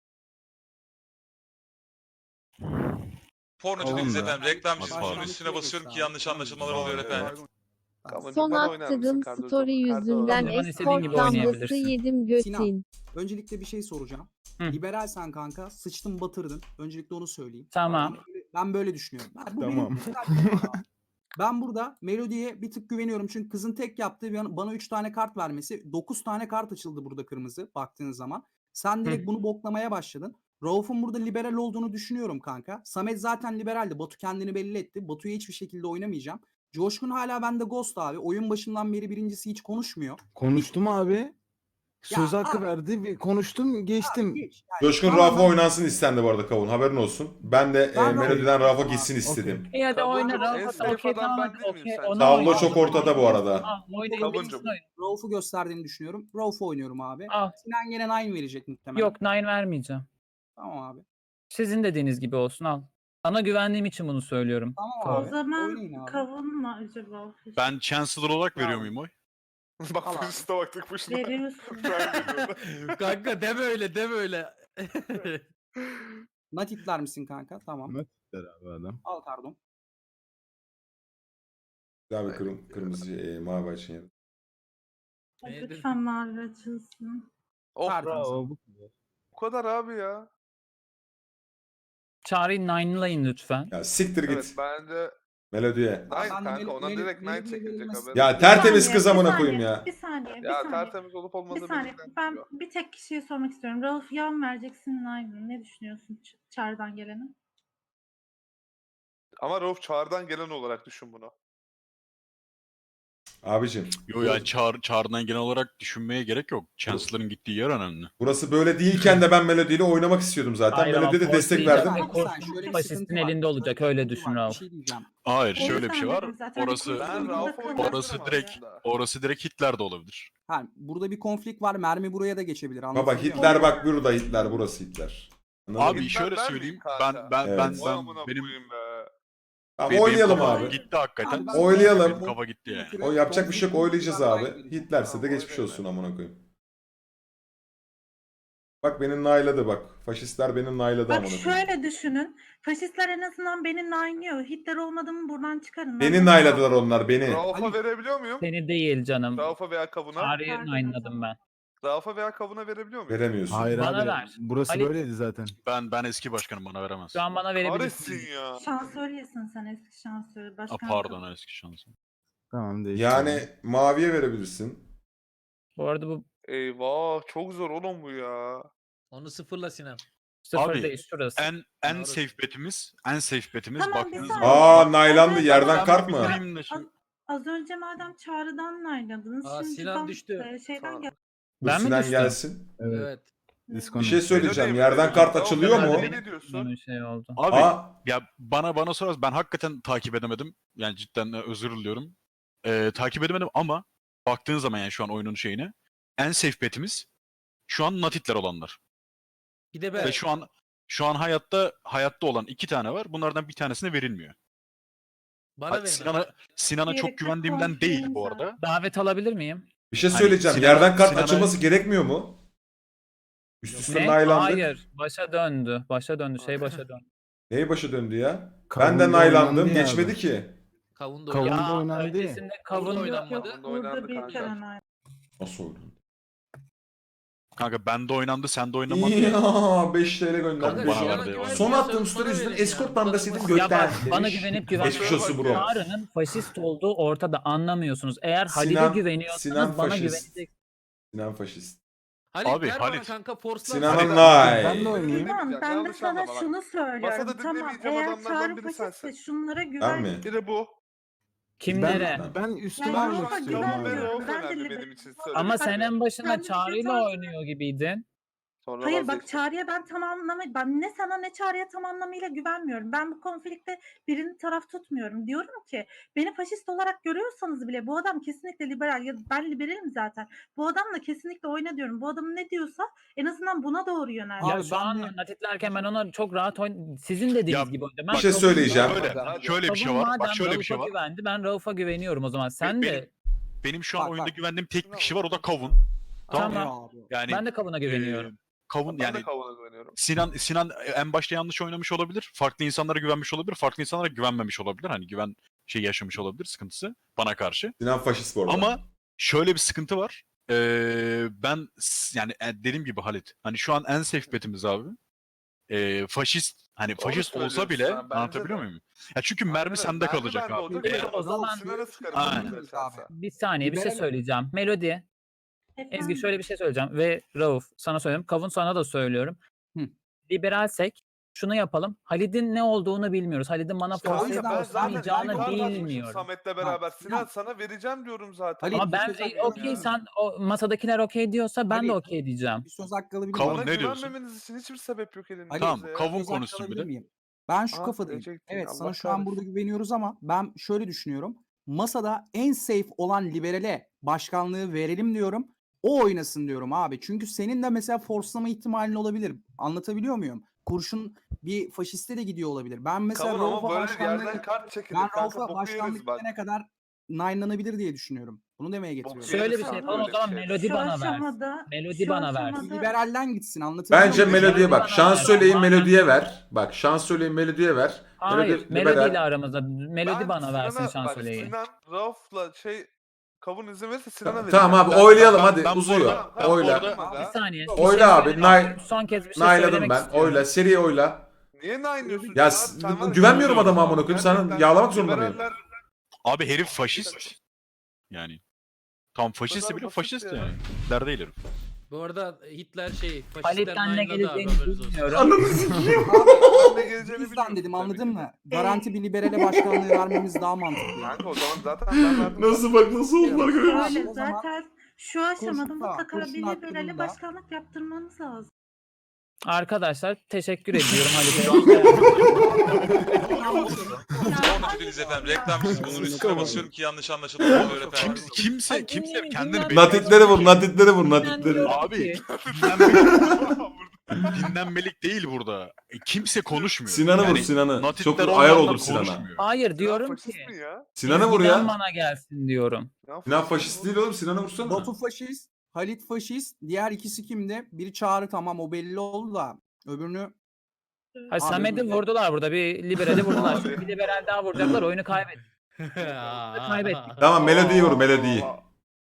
[SPEAKER 10] Pornocu
[SPEAKER 9] Oğlum
[SPEAKER 10] değiliz
[SPEAKER 9] ya.
[SPEAKER 10] efendim. Reklamcıyız.
[SPEAKER 3] Pardon.
[SPEAKER 10] Bunun üstüne basıyorum ki yanlış anlaşılmalar
[SPEAKER 4] Tamam,
[SPEAKER 10] oluyor
[SPEAKER 1] evet.
[SPEAKER 10] efendim.
[SPEAKER 5] Kamuncuk,
[SPEAKER 11] Son
[SPEAKER 5] bana oynar mısın
[SPEAKER 11] attığım
[SPEAKER 5] Cardozo?
[SPEAKER 11] story
[SPEAKER 5] Cardo.
[SPEAKER 11] yüzünden
[SPEAKER 2] O zaman istediğin
[SPEAKER 11] escort
[SPEAKER 2] gibi
[SPEAKER 11] damgası
[SPEAKER 2] oynayabilirsin.
[SPEAKER 11] yedim
[SPEAKER 6] Sinan.
[SPEAKER 11] götin.
[SPEAKER 6] Öncelikle bir şey soracağım.
[SPEAKER 2] Hı.
[SPEAKER 6] Liberal sen kanka sıçtın batırdın. Öncelikle onu söyleyeyim.
[SPEAKER 2] Tamam.
[SPEAKER 6] Ben böyle, ben böyle düşünüyorum. Ben, bu benim
[SPEAKER 9] Tamam.
[SPEAKER 6] kişisel fikrim abi. Ben burada Melody'ye bir tık güveniyorum. Çünkü kızın tek yaptığı bir- bana üç tane kart vermesi. dokuz tane kart açıldı burada kırmızı baktığın zaman. Sen direkt bunu boklamaya başladın. Rauf'un burada liberal olduğunu düşünüyorum kanka. Samet zaten liberaldi. Batu kendini belli etti. Batu'ya hiçbir şekilde oynamayacağım. Coşkun hala bende ghost abi. Oyun başından beri birincisi hiç konuşmuyor.
[SPEAKER 9] Konuştum abi. Söz
[SPEAKER 6] Ya
[SPEAKER 9] hakkı
[SPEAKER 6] abi.
[SPEAKER 9] verdi. bir Konuştum geçtim.
[SPEAKER 6] Hiç. Yani
[SPEAKER 1] Coşkun
[SPEAKER 6] tamamen-
[SPEAKER 1] Rafa oynansın istendi bu arada Kavun. Haberin olsun. Ben de
[SPEAKER 6] Ben
[SPEAKER 1] e,
[SPEAKER 6] de
[SPEAKER 1] Melody'den Rafa
[SPEAKER 6] oynayayım.
[SPEAKER 1] gitsin
[SPEAKER 6] Okey.
[SPEAKER 1] istedim.
[SPEAKER 2] İyi hadi
[SPEAKER 5] Kabul
[SPEAKER 2] oyna
[SPEAKER 5] ediyorum. En
[SPEAKER 2] Rauf.
[SPEAKER 5] safe
[SPEAKER 2] Okey
[SPEAKER 5] adam
[SPEAKER 2] tamam.
[SPEAKER 5] ben değil miyim
[SPEAKER 2] Okey,
[SPEAKER 5] sence?
[SPEAKER 2] onu
[SPEAKER 1] Tablo
[SPEAKER 2] oyna.
[SPEAKER 1] çok ortada bu arada.
[SPEAKER 2] Ah, oynayın,
[SPEAKER 5] Kavuncum.
[SPEAKER 2] birisini oynayın.
[SPEAKER 6] Rauf'u gösterdiğini düşünüyorum. Rauf'u oynuyorum abi.
[SPEAKER 2] Ah,
[SPEAKER 6] Sinan gene nine verecek muhtemelen.
[SPEAKER 2] yok nine vermeyeceğim.
[SPEAKER 6] Tamam abi.
[SPEAKER 2] Sizin dediğiniz gibi olsun al. Sana güvendiğim için bunu söylüyorum.
[SPEAKER 6] Tamam
[SPEAKER 2] Kavun.
[SPEAKER 8] O
[SPEAKER 6] abi.
[SPEAKER 8] zaman
[SPEAKER 6] Oynayın abi.
[SPEAKER 8] kavun mu acaba?
[SPEAKER 3] Ben Chancellor olarak veriyor
[SPEAKER 6] Tamam.
[SPEAKER 3] muyum oy?
[SPEAKER 5] Bak
[SPEAKER 6] Al abi.
[SPEAKER 5] Fırsat'a baktık boşuna.
[SPEAKER 8] Veriyorsun.
[SPEAKER 7] Kanka deme öyle deme öyle.
[SPEAKER 6] Natitler misin kanka? Tamam.
[SPEAKER 9] Natitler abi adam.
[SPEAKER 6] Al pardon.
[SPEAKER 1] Güzel bir kırm kırmızı e, mavi açın ya.
[SPEAKER 8] Ay, lütfen mavi açılsın.
[SPEAKER 5] Of
[SPEAKER 6] Pardon.
[SPEAKER 9] Bravo.
[SPEAKER 5] bu kadar abi ya.
[SPEAKER 2] Çağrı'yı nine'layın lütfen.
[SPEAKER 1] Ya siktir git.
[SPEAKER 5] Evet bence
[SPEAKER 1] Melodiye.
[SPEAKER 5] nine
[SPEAKER 6] Ben de
[SPEAKER 5] kanka
[SPEAKER 6] Melo-
[SPEAKER 5] ona
[SPEAKER 6] Melo-
[SPEAKER 5] direkt nine
[SPEAKER 6] Melody'ye
[SPEAKER 5] çekilecek
[SPEAKER 6] verilmesi-
[SPEAKER 5] haberin
[SPEAKER 1] Ya
[SPEAKER 5] olsun.
[SPEAKER 1] tertemiz
[SPEAKER 8] saniye,
[SPEAKER 1] kız
[SPEAKER 8] bir
[SPEAKER 1] amına
[SPEAKER 8] saniye,
[SPEAKER 1] koyayım ya.
[SPEAKER 8] Bir saniye, bir
[SPEAKER 5] Ya
[SPEAKER 8] saniye.
[SPEAKER 5] tertemiz olup
[SPEAKER 8] Bir
[SPEAKER 5] olmadığı
[SPEAKER 8] saniye.
[SPEAKER 5] belirten
[SPEAKER 8] Ben
[SPEAKER 5] diyor.
[SPEAKER 8] bir tek kişiye sormak istiyorum. Rauf ya mı vereceksin nine mi? Ne düşünüyorsun Ç- Çağrı'dan gelene?
[SPEAKER 5] Ama Rauf Çağrı'dan gelen olarak düşün bunu.
[SPEAKER 1] Abicim.
[SPEAKER 3] Yo yani çağır, çağrıdan genel olarak düşünmeye gerek yok. Chancellor'ın gittiği yer önemli.
[SPEAKER 1] Burası böyle değilken de ben Melody'yle oynamak istiyordum zaten.
[SPEAKER 2] Hayır ama
[SPEAKER 1] Melody'ye de destek
[SPEAKER 2] force
[SPEAKER 1] verdim.
[SPEAKER 2] diyeceğim.
[SPEAKER 6] Abi sen
[SPEAKER 2] Korkun
[SPEAKER 6] şöyle bir
[SPEAKER 2] fasistin
[SPEAKER 6] sıkıntı var.
[SPEAKER 2] elinde olacak,
[SPEAKER 6] Şöyle bir
[SPEAKER 2] öyle
[SPEAKER 6] sıkıntı
[SPEAKER 2] düşün
[SPEAKER 6] var. Bir
[SPEAKER 2] Rauf.
[SPEAKER 6] şey diyeceğim.
[SPEAKER 3] Hayır
[SPEAKER 8] O
[SPEAKER 3] şöyle bir şey
[SPEAKER 8] yüzden
[SPEAKER 3] var.
[SPEAKER 8] dedim zaten,
[SPEAKER 3] Orası
[SPEAKER 8] hani
[SPEAKER 5] Ben
[SPEAKER 8] konuştuğumuzda
[SPEAKER 5] Rauf'u
[SPEAKER 8] kalın.
[SPEAKER 3] orası
[SPEAKER 5] oynatırım
[SPEAKER 3] direkt
[SPEAKER 5] aslında.
[SPEAKER 3] orası direkt Hitler de olabilir.
[SPEAKER 6] Ha, burada bir konflik var. Mermi buraya da geçebilir.
[SPEAKER 1] Baba
[SPEAKER 6] anlatabiliyor
[SPEAKER 1] Hitler
[SPEAKER 6] muyum?
[SPEAKER 1] bak burada Hitler, burası Hitler. Anladın mı?
[SPEAKER 3] Abi
[SPEAKER 5] Hitler
[SPEAKER 3] şöyle
[SPEAKER 5] vermeyeyim
[SPEAKER 3] söyleyeyim.
[SPEAKER 5] kanka.
[SPEAKER 3] Ben ben
[SPEAKER 1] Evet.
[SPEAKER 3] ben,
[SPEAKER 5] Vay
[SPEAKER 3] ben
[SPEAKER 5] amına
[SPEAKER 3] benim
[SPEAKER 5] koyayım be.
[SPEAKER 1] Tamam,
[SPEAKER 3] benim
[SPEAKER 1] oylayalım
[SPEAKER 3] kafa
[SPEAKER 1] abi.
[SPEAKER 3] Gitti hakikaten.
[SPEAKER 6] Abi ben-
[SPEAKER 1] Oylayalım.
[SPEAKER 3] Benim kafa gitti yani.
[SPEAKER 1] O yapacak bir şey yok, oylayacağız
[SPEAKER 6] Ben
[SPEAKER 1] abi.
[SPEAKER 6] like vereceğim.
[SPEAKER 1] Hitlerse de
[SPEAKER 5] Tamam,
[SPEAKER 1] geçmiş
[SPEAKER 5] oylayın
[SPEAKER 1] olsun
[SPEAKER 5] ben.
[SPEAKER 1] amına koyayım. Bak beni nayladı bak. Faşistler beni nayladı
[SPEAKER 8] Bak
[SPEAKER 1] amına koyayım.
[SPEAKER 8] şöyle düşünün. Faşistler en azından beni nine'liyor. Hitler olmadığımı buradan çıkarın.
[SPEAKER 1] Beni nayladılar onlar beni.
[SPEAKER 5] Rauf'a verebiliyor muyum?
[SPEAKER 2] Seni değil canım.
[SPEAKER 5] Rauf'a veya Kavun'a?
[SPEAKER 2] Çağrı'yı
[SPEAKER 8] Pardon,
[SPEAKER 2] nine'ladım ben.
[SPEAKER 5] Rauf'a veya Kavun'a verebiliyor muyum?
[SPEAKER 1] Veremiyorsun.
[SPEAKER 9] Hayır
[SPEAKER 2] Bana
[SPEAKER 9] abi.
[SPEAKER 2] ver.
[SPEAKER 9] Burası
[SPEAKER 2] Ali-
[SPEAKER 9] böyleydi zaten.
[SPEAKER 3] Ben ben eski başkanım bana veremez.
[SPEAKER 2] Şu an bana verebilirsin.
[SPEAKER 5] Kahretsin ya.
[SPEAKER 8] Şansölyesin sen, eski şansölye.
[SPEAKER 3] Aa,
[SPEAKER 8] Başkan
[SPEAKER 3] pardon eski şansım.
[SPEAKER 9] Tamam değişti.
[SPEAKER 1] Yani maviye verebilirsin.
[SPEAKER 2] Bu arada bu
[SPEAKER 5] Eyvah çok zor oğlum bu ya.
[SPEAKER 7] Onu sıfırla Sinan.
[SPEAKER 2] sıfır
[SPEAKER 3] Abi,
[SPEAKER 2] değil şurası.
[SPEAKER 3] En en
[SPEAKER 7] Doğru.
[SPEAKER 3] safe betimiz, en safe betimiz
[SPEAKER 8] Tamam, bir
[SPEAKER 3] baktığınız
[SPEAKER 8] saniye.
[SPEAKER 3] zaman.
[SPEAKER 1] Aa naylandı yerden
[SPEAKER 8] Ben-
[SPEAKER 1] kart mı?
[SPEAKER 3] Benim de şu-
[SPEAKER 8] Az önce madem Çağrı'dan nayladınız.
[SPEAKER 7] Aa,
[SPEAKER 8] şimdi
[SPEAKER 7] Sinan
[SPEAKER 8] tam,
[SPEAKER 7] düştü.
[SPEAKER 8] e, şeyden
[SPEAKER 5] Tamam.
[SPEAKER 8] gel.
[SPEAKER 1] Dur
[SPEAKER 2] Ben mi
[SPEAKER 1] Sinan
[SPEAKER 2] düştüm?
[SPEAKER 1] gelsin.
[SPEAKER 9] Evet.
[SPEAKER 7] Evet.
[SPEAKER 1] Bir
[SPEAKER 9] Disconnect.
[SPEAKER 1] şey söyleyeceğim.
[SPEAKER 5] Melody,
[SPEAKER 1] Yerden
[SPEAKER 5] Melody.
[SPEAKER 1] kart
[SPEAKER 5] Rauf,
[SPEAKER 1] açılıyor
[SPEAKER 5] Melody,
[SPEAKER 1] mu?
[SPEAKER 5] Ne
[SPEAKER 2] Bunun
[SPEAKER 5] diyorsun?
[SPEAKER 2] şey oldu.
[SPEAKER 3] Abi
[SPEAKER 1] Aa
[SPEAKER 3] ya bana bana sorarsan ben hakikaten takip edemedim. Yani cidden e, özür diliyorum. Ee, takip edemedim ama baktığın zaman yani şu an oyunun şeyine en safe betimiz şu an Natitler olanlar.
[SPEAKER 7] Bir de
[SPEAKER 3] Ve
[SPEAKER 7] ben.
[SPEAKER 3] şu an şu an hayatta hayatta olan iki tane var. Bunlardan bir tanesine verilmiyor.
[SPEAKER 7] Bana
[SPEAKER 3] Ha,
[SPEAKER 7] verin.
[SPEAKER 3] Sinan'a Sinan'a
[SPEAKER 8] Diğeri
[SPEAKER 3] çok güvendiğimden değil bu
[SPEAKER 8] konfiyonza.
[SPEAKER 3] arada.
[SPEAKER 2] Davet alabilir miyim?
[SPEAKER 1] bir şey
[SPEAKER 3] Hani
[SPEAKER 1] söyleyeceğim.
[SPEAKER 3] Sinan-
[SPEAKER 1] Yerden kart
[SPEAKER 3] Sinan'a-
[SPEAKER 1] açılması gerekmiyor mu? Üst üste
[SPEAKER 2] Ne?
[SPEAKER 1] naylandık.
[SPEAKER 2] Hayır. Başa döndü. Başa döndü. Şey başa döndü.
[SPEAKER 1] Neyi başa döndü ya?
[SPEAKER 9] Kavun
[SPEAKER 1] Ben
[SPEAKER 9] da
[SPEAKER 1] de naylandım.
[SPEAKER 9] oynandı ya
[SPEAKER 1] Geçmedi
[SPEAKER 9] abi.
[SPEAKER 1] ki.
[SPEAKER 7] Kavun da
[SPEAKER 9] Kavun
[SPEAKER 7] oynadı.
[SPEAKER 9] da
[SPEAKER 2] Ya
[SPEAKER 9] oynandı ya.
[SPEAKER 2] öncesinde kavun
[SPEAKER 7] Kavun
[SPEAKER 2] oynanmadı.
[SPEAKER 7] oynanmadı.
[SPEAKER 5] Kavun da
[SPEAKER 8] Burada
[SPEAKER 5] oynandı
[SPEAKER 8] bir
[SPEAKER 5] kanka.
[SPEAKER 8] kere nay.
[SPEAKER 1] Nasıl oldu?
[SPEAKER 3] Kanka bende oynandı, sende oynamadı. ya.
[SPEAKER 1] Ya beş T L
[SPEAKER 7] Kanka,
[SPEAKER 1] gönderdim.
[SPEAKER 3] Bana
[SPEAKER 7] Sinan'a
[SPEAKER 3] verdi,
[SPEAKER 7] güvenmiyorsan
[SPEAKER 1] Son attığım
[SPEAKER 7] bana
[SPEAKER 1] story yüzünden
[SPEAKER 7] verin ya.
[SPEAKER 1] escort
[SPEAKER 7] Bu
[SPEAKER 1] damgası
[SPEAKER 7] kadar
[SPEAKER 1] yedim
[SPEAKER 7] basit.
[SPEAKER 2] Ya
[SPEAKER 1] gökten.
[SPEAKER 2] bak bana
[SPEAKER 1] demiş.
[SPEAKER 2] güvenip güvenmiyorsunuz.
[SPEAKER 1] Geçmiş olsun bro.
[SPEAKER 2] Çağrı'nın faşist olduğu ortada anlamıyorsunuz. Eğer Halil'e
[SPEAKER 1] Sinan-
[SPEAKER 2] güveniyorsanız
[SPEAKER 1] Sinan
[SPEAKER 2] bana
[SPEAKER 1] faşist.
[SPEAKER 2] güveneceksiniz.
[SPEAKER 1] Sinan faşist.
[SPEAKER 7] Halit
[SPEAKER 3] Abi,
[SPEAKER 7] ver bana
[SPEAKER 3] Halit.
[SPEAKER 7] kanka force'la.
[SPEAKER 1] Sinan'ın
[SPEAKER 5] Hadi.
[SPEAKER 1] nay.
[SPEAKER 9] Ben de oynayayım.
[SPEAKER 8] Tamam, ben de
[SPEAKER 5] Yanlış
[SPEAKER 8] sana
[SPEAKER 5] anlama bak.
[SPEAKER 8] şunu söylüyorum.
[SPEAKER 5] Masada
[SPEAKER 8] Tamam,
[SPEAKER 5] dinlemeyeceğim
[SPEAKER 8] eğer
[SPEAKER 5] adamlardan
[SPEAKER 8] Çağrı
[SPEAKER 5] biri
[SPEAKER 8] faşistse
[SPEAKER 5] sensin.
[SPEAKER 8] şunlara
[SPEAKER 1] Ben
[SPEAKER 8] güven.
[SPEAKER 1] mi?
[SPEAKER 5] Biri bu.
[SPEAKER 2] Kimlere?
[SPEAKER 1] Ben-
[SPEAKER 9] Ben üstüme
[SPEAKER 8] Yani
[SPEAKER 9] almak
[SPEAKER 8] Rauf'a
[SPEAKER 9] istiyorum
[SPEAKER 5] Kavun ve
[SPEAKER 8] güvenmiyorum.
[SPEAKER 9] abi.
[SPEAKER 5] Rauf
[SPEAKER 8] Ben de
[SPEAKER 5] önemli
[SPEAKER 8] liber-
[SPEAKER 5] benim için.
[SPEAKER 2] Ama
[SPEAKER 5] Söyle.
[SPEAKER 2] sen en başında
[SPEAKER 8] Ben de
[SPEAKER 2] Çağrı'yla
[SPEAKER 8] Çağrı-
[SPEAKER 2] oynuyor gibiydin.
[SPEAKER 5] Sonra
[SPEAKER 8] Hayır bak
[SPEAKER 5] vazgeçtim.
[SPEAKER 8] Çağrı'ya ben tam anlamı ben ne sana ne Çağrı'ya tam anlamıyla güvenmiyorum. Ben bu konflikte birini taraf tutmuyorum. Diyorum ki beni faşist olarak görüyorsanız bile bu adam kesinlikle liberal ya ben liberalim zaten. Bu adamla kesinlikle oyna diyorum. Bu adam ne diyorsa en azından buna doğru yönel.
[SPEAKER 2] Ya
[SPEAKER 6] Abi
[SPEAKER 2] şu
[SPEAKER 6] ben
[SPEAKER 2] an
[SPEAKER 6] de-
[SPEAKER 2] natitlerken ben ona çok rahat oyn... Sizin dediğiniz
[SPEAKER 3] Ya
[SPEAKER 2] gibi oynadım.
[SPEAKER 1] Bir
[SPEAKER 2] Ben
[SPEAKER 1] şey
[SPEAKER 2] Rauf'a
[SPEAKER 1] söyleyeceğim.
[SPEAKER 2] güveniyorum.
[SPEAKER 3] Şöyle,
[SPEAKER 5] Hadi.
[SPEAKER 3] şöyle bir şey
[SPEAKER 2] Kavun
[SPEAKER 3] var. Bak
[SPEAKER 2] madem
[SPEAKER 3] şöyle bir
[SPEAKER 2] Rauf'a
[SPEAKER 3] şey var.
[SPEAKER 2] güvendi. Ben Rauf'a güveniyorum o zaman. Sen
[SPEAKER 3] Benim-
[SPEAKER 2] de
[SPEAKER 3] Benim şu an
[SPEAKER 6] Bak,
[SPEAKER 3] oyunda
[SPEAKER 6] bak.
[SPEAKER 3] güvendiğim tek bir kişi var, o da Kavun.
[SPEAKER 2] Tamam.
[SPEAKER 3] Tamam mı?
[SPEAKER 6] Abi.
[SPEAKER 3] Yani
[SPEAKER 2] ben de Kavun'a güveniyorum.
[SPEAKER 3] e, Kavun
[SPEAKER 5] Ben
[SPEAKER 3] yani
[SPEAKER 5] de Kavun'a güveniyorum.
[SPEAKER 3] Sinan Sinan en başta yanlış oynamış olabilir. Farklı insanlara güvenmiş olabilir. Farklı insanlara güvenmemiş olabilir. Hani güven şey yaşamış olabilir, sıkıntısı bana karşı.
[SPEAKER 1] Sinan faşist bu arada.
[SPEAKER 3] Ama şöyle bir sıkıntı var. Ee, ben s- yani e, dediğim gibi Halit. Hani şu an en safe betimiz abi. Ee, faşist hani
[SPEAKER 5] Doğru
[SPEAKER 3] faşist olsa
[SPEAKER 5] söylüyorsun
[SPEAKER 3] bile
[SPEAKER 5] ha, bence
[SPEAKER 3] anlatabiliyor
[SPEAKER 5] de.
[SPEAKER 3] muyum? Ya çünkü
[SPEAKER 5] Aynen
[SPEAKER 3] mermi
[SPEAKER 5] öyle.
[SPEAKER 3] sende
[SPEAKER 5] Mermi
[SPEAKER 3] kalacak
[SPEAKER 5] bende
[SPEAKER 3] abi.
[SPEAKER 5] olacak,
[SPEAKER 3] Eğer-
[SPEAKER 5] ben
[SPEAKER 2] O zaman-
[SPEAKER 5] Sinan'a sıkarım.
[SPEAKER 3] Aynen.
[SPEAKER 5] ben şansa.
[SPEAKER 2] Bir saniye bir şey
[SPEAKER 6] Liberal-
[SPEAKER 2] söyleyeceğim. Melodi, Ezgi
[SPEAKER 8] Efendim?
[SPEAKER 2] şöyle bir şey söyleyeceğim ve Rauf sana söylüyorum. Kavun sana da söylüyorum.
[SPEAKER 6] Hı.
[SPEAKER 2] Liberalsek şunu yapalım. Halid'in ne olduğunu bilmiyoruz. Halid'in bana
[SPEAKER 6] İşte o
[SPEAKER 2] force
[SPEAKER 6] yüzden
[SPEAKER 5] Kanka ben
[SPEAKER 2] yapıp
[SPEAKER 5] zaten
[SPEAKER 2] yapmayacağını
[SPEAKER 5] kart açmışım
[SPEAKER 2] bilmiyorum.
[SPEAKER 5] Samet'le beraber.
[SPEAKER 6] Sinan-
[SPEAKER 5] Sinan sana vereceğim diyorum zaten.
[SPEAKER 6] Halil,
[SPEAKER 2] Ama
[SPEAKER 6] bir
[SPEAKER 2] ben
[SPEAKER 6] söz
[SPEAKER 2] e,
[SPEAKER 6] hakkı
[SPEAKER 2] okey
[SPEAKER 6] ya.
[SPEAKER 2] sen o masadakiler okey diyorsa ben
[SPEAKER 6] Halil.
[SPEAKER 2] de okey diyeceğim.
[SPEAKER 6] Bir söz hakkı alabilir
[SPEAKER 3] Kavun
[SPEAKER 6] miyim?
[SPEAKER 5] Bana
[SPEAKER 3] ne diyorsun?
[SPEAKER 5] güvenmemeniz için hiçbir sebep yok elimde.
[SPEAKER 6] Ali,
[SPEAKER 3] Tamam,
[SPEAKER 5] ya.
[SPEAKER 3] Kavun
[SPEAKER 6] Söz hakkı
[SPEAKER 3] konuşsun bir
[SPEAKER 6] alabilir
[SPEAKER 3] de.
[SPEAKER 6] miyim? Ben şu
[SPEAKER 5] Ah,
[SPEAKER 6] kafadayım.
[SPEAKER 5] diyecektin,
[SPEAKER 6] Evet
[SPEAKER 5] Allah
[SPEAKER 6] sana şu an burada
[SPEAKER 5] kahretsin.
[SPEAKER 6] güveniyoruz ama ben şöyle düşünüyorum. Masada en safe olan liberale başkanlığı verelim diyorum. O oynasın diyorum abi. Çünkü senin de mesela forslama ihtimalin olabilir. Anlatabiliyor muyum? Kurşun bir faşiste de gidiyor olabilir. Ben mesela
[SPEAKER 5] Kavun ama
[SPEAKER 6] Rauf'a
[SPEAKER 5] böyle
[SPEAKER 6] başkanlığı
[SPEAKER 5] yerden kart çekilir.
[SPEAKER 6] ben
[SPEAKER 5] Kanka
[SPEAKER 6] Rauf'a
[SPEAKER 5] boku
[SPEAKER 6] başkanlık
[SPEAKER 5] yeriz bak.
[SPEAKER 6] gidene kadar nine'lanabilir diye düşünüyorum. Bunu demeye getiriyorum.
[SPEAKER 5] Boku
[SPEAKER 2] Şöyle
[SPEAKER 5] yeriz
[SPEAKER 2] bir şey
[SPEAKER 5] kanka,
[SPEAKER 2] yapalım o
[SPEAKER 5] öyle bir
[SPEAKER 2] zaman
[SPEAKER 5] şey.
[SPEAKER 2] Melodi
[SPEAKER 8] Şu
[SPEAKER 2] bana versin.
[SPEAKER 8] aşamada,
[SPEAKER 2] Melodi
[SPEAKER 8] şu
[SPEAKER 2] bana versin.
[SPEAKER 6] Bir
[SPEAKER 8] aşamada
[SPEAKER 6] liberalden gitsin anlatabiliyor
[SPEAKER 1] Bence
[SPEAKER 6] muyum?
[SPEAKER 1] melodiye
[SPEAKER 2] Melodi
[SPEAKER 1] bak.
[SPEAKER 2] bana
[SPEAKER 1] Şans
[SPEAKER 2] ver.
[SPEAKER 1] söyleyin
[SPEAKER 2] Bana-
[SPEAKER 1] melodiye ver. Bak şans söyleyin melodiye ver.
[SPEAKER 2] Hayır,
[SPEAKER 1] Melodi,
[SPEAKER 2] Melodi
[SPEAKER 1] liberal.
[SPEAKER 2] ile aramızda. Melodi
[SPEAKER 5] Ben
[SPEAKER 2] bana versin
[SPEAKER 5] Sinan'a-
[SPEAKER 2] şans
[SPEAKER 5] bak,
[SPEAKER 2] söyleyi.
[SPEAKER 5] Sinan, Rauf'la şey Kavun izin verirse Sinan'a vereceğim.
[SPEAKER 1] Tamam abi
[SPEAKER 5] Ben-
[SPEAKER 1] oylayalım
[SPEAKER 3] ben-
[SPEAKER 1] hadi
[SPEAKER 3] ben bu
[SPEAKER 1] uzuyor.
[SPEAKER 3] arada- ben bu
[SPEAKER 1] Oyla.
[SPEAKER 3] arada-
[SPEAKER 2] Bir saniye. bir
[SPEAKER 1] Oyla
[SPEAKER 2] şey
[SPEAKER 1] abi,
[SPEAKER 2] söylemek
[SPEAKER 1] nay-
[SPEAKER 2] istiyorum. Son kez bir şey
[SPEAKER 1] Nayladım
[SPEAKER 2] söylemek
[SPEAKER 1] ben.
[SPEAKER 2] istiyorum.
[SPEAKER 1] Oyla. Seri oyla.
[SPEAKER 5] Niye nine diyorsun?
[SPEAKER 1] Ya
[SPEAKER 5] Abi,
[SPEAKER 1] s-
[SPEAKER 5] sen var ya,
[SPEAKER 1] güvenmiyorum
[SPEAKER 5] gerçekten-
[SPEAKER 1] adama amına koyayım. Sana
[SPEAKER 5] gerçekten
[SPEAKER 1] yağlamak zorunda mıyım?
[SPEAKER 5] liberaller-
[SPEAKER 3] Abi herif faşist. Yani tam faşistse
[SPEAKER 5] kadar
[SPEAKER 3] bile
[SPEAKER 5] basit
[SPEAKER 3] faşist
[SPEAKER 5] ya.
[SPEAKER 3] yani. Der değilim.
[SPEAKER 7] Bu arada Hitler şey faşistler
[SPEAKER 2] Halid'den ne
[SPEAKER 7] nine'ladı abi,
[SPEAKER 2] geleceğini
[SPEAKER 7] haberiniz olsun.
[SPEAKER 2] bilmiyorum.
[SPEAKER 1] Ananı sikeyim.
[SPEAKER 5] Ben ne
[SPEAKER 6] Bu
[SPEAKER 5] geleceğini
[SPEAKER 6] yüzden
[SPEAKER 5] biliyorum
[SPEAKER 6] dedim
[SPEAKER 5] tabii
[SPEAKER 6] anladın
[SPEAKER 5] ki.
[SPEAKER 6] mı? Garanti bir liberale başkanlığı vermemiz daha mantıklı.
[SPEAKER 5] Kanka o zaman zaten ben verdim.
[SPEAKER 1] Nasıl bak nasıl oldular görüyor musun?
[SPEAKER 8] Öyle
[SPEAKER 6] O zaman
[SPEAKER 8] zaten şu aşamada
[SPEAKER 6] kurşun-
[SPEAKER 8] mutlaka
[SPEAKER 6] kurşun
[SPEAKER 8] bir liberale
[SPEAKER 6] hakkında-
[SPEAKER 8] başkanlık yaptırmanız lazım.
[SPEAKER 2] Arkadaşlar teşekkür ediyorum Halid'e.
[SPEAKER 10] Son ödülünüz efendim. Reklamcısız bunun üstüne basıyorum ki yanlış anlaşılmasın. Öyle efendim.
[SPEAKER 3] Kimse, kimse,
[SPEAKER 2] Ay,
[SPEAKER 3] kimse
[SPEAKER 2] dinleyin,
[SPEAKER 3] kendini
[SPEAKER 2] dinleyin.
[SPEAKER 3] belli
[SPEAKER 1] Natitleri vur, natitleri vur, natitleri.
[SPEAKER 3] Abi dinlenmelik, dinlenmelik değil burada. E, Kimse konuşmuyor.
[SPEAKER 1] Sinan'ı vur
[SPEAKER 3] Yani
[SPEAKER 1] Sinan'ı.
[SPEAKER 3] natitler
[SPEAKER 1] Çok
[SPEAKER 3] olmayanlar
[SPEAKER 1] ayar oldum Sinan'a.
[SPEAKER 3] konuşmuyor.
[SPEAKER 2] Hayır
[SPEAKER 5] Sinan
[SPEAKER 2] diyorum ki.
[SPEAKER 5] faşist mi ya?
[SPEAKER 1] Sinan'ı vur
[SPEAKER 2] Ezgi'den
[SPEAKER 1] ya.
[SPEAKER 2] bana gelsin diyorum.
[SPEAKER 1] Sinan faşist değil oğlum. Sinan'ı vursana.
[SPEAKER 6] Batu faşist, Halit faşist, diğer ikisi kimdi? Biri Çağrı tamam o belli oldu da öbürünü
[SPEAKER 2] Ha,
[SPEAKER 6] Abi,
[SPEAKER 2] Samet'i
[SPEAKER 6] özür
[SPEAKER 2] vurdular burada. Bir liberali vurdular.
[SPEAKER 5] Abi.
[SPEAKER 2] Şimdi bir liberal daha vuracaklar. Oyunu kaybettik. Kaybettik.
[SPEAKER 1] Tamam melodiyi vur melodiyi.
[SPEAKER 5] Aa.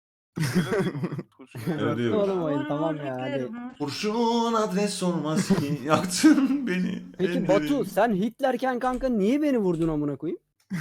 [SPEAKER 1] Melodiyi vur.
[SPEAKER 4] Oğlum oyun
[SPEAKER 8] Vur,
[SPEAKER 4] tamam
[SPEAKER 8] vur,
[SPEAKER 4] ya hadi.
[SPEAKER 8] yüklerim, vur.
[SPEAKER 1] Kurşun adres olmaz ki yaktın beni.
[SPEAKER 4] Peki
[SPEAKER 1] ellerin.
[SPEAKER 4] Batu sen Hitlerken kanka niye beni vurdun amına koyayım?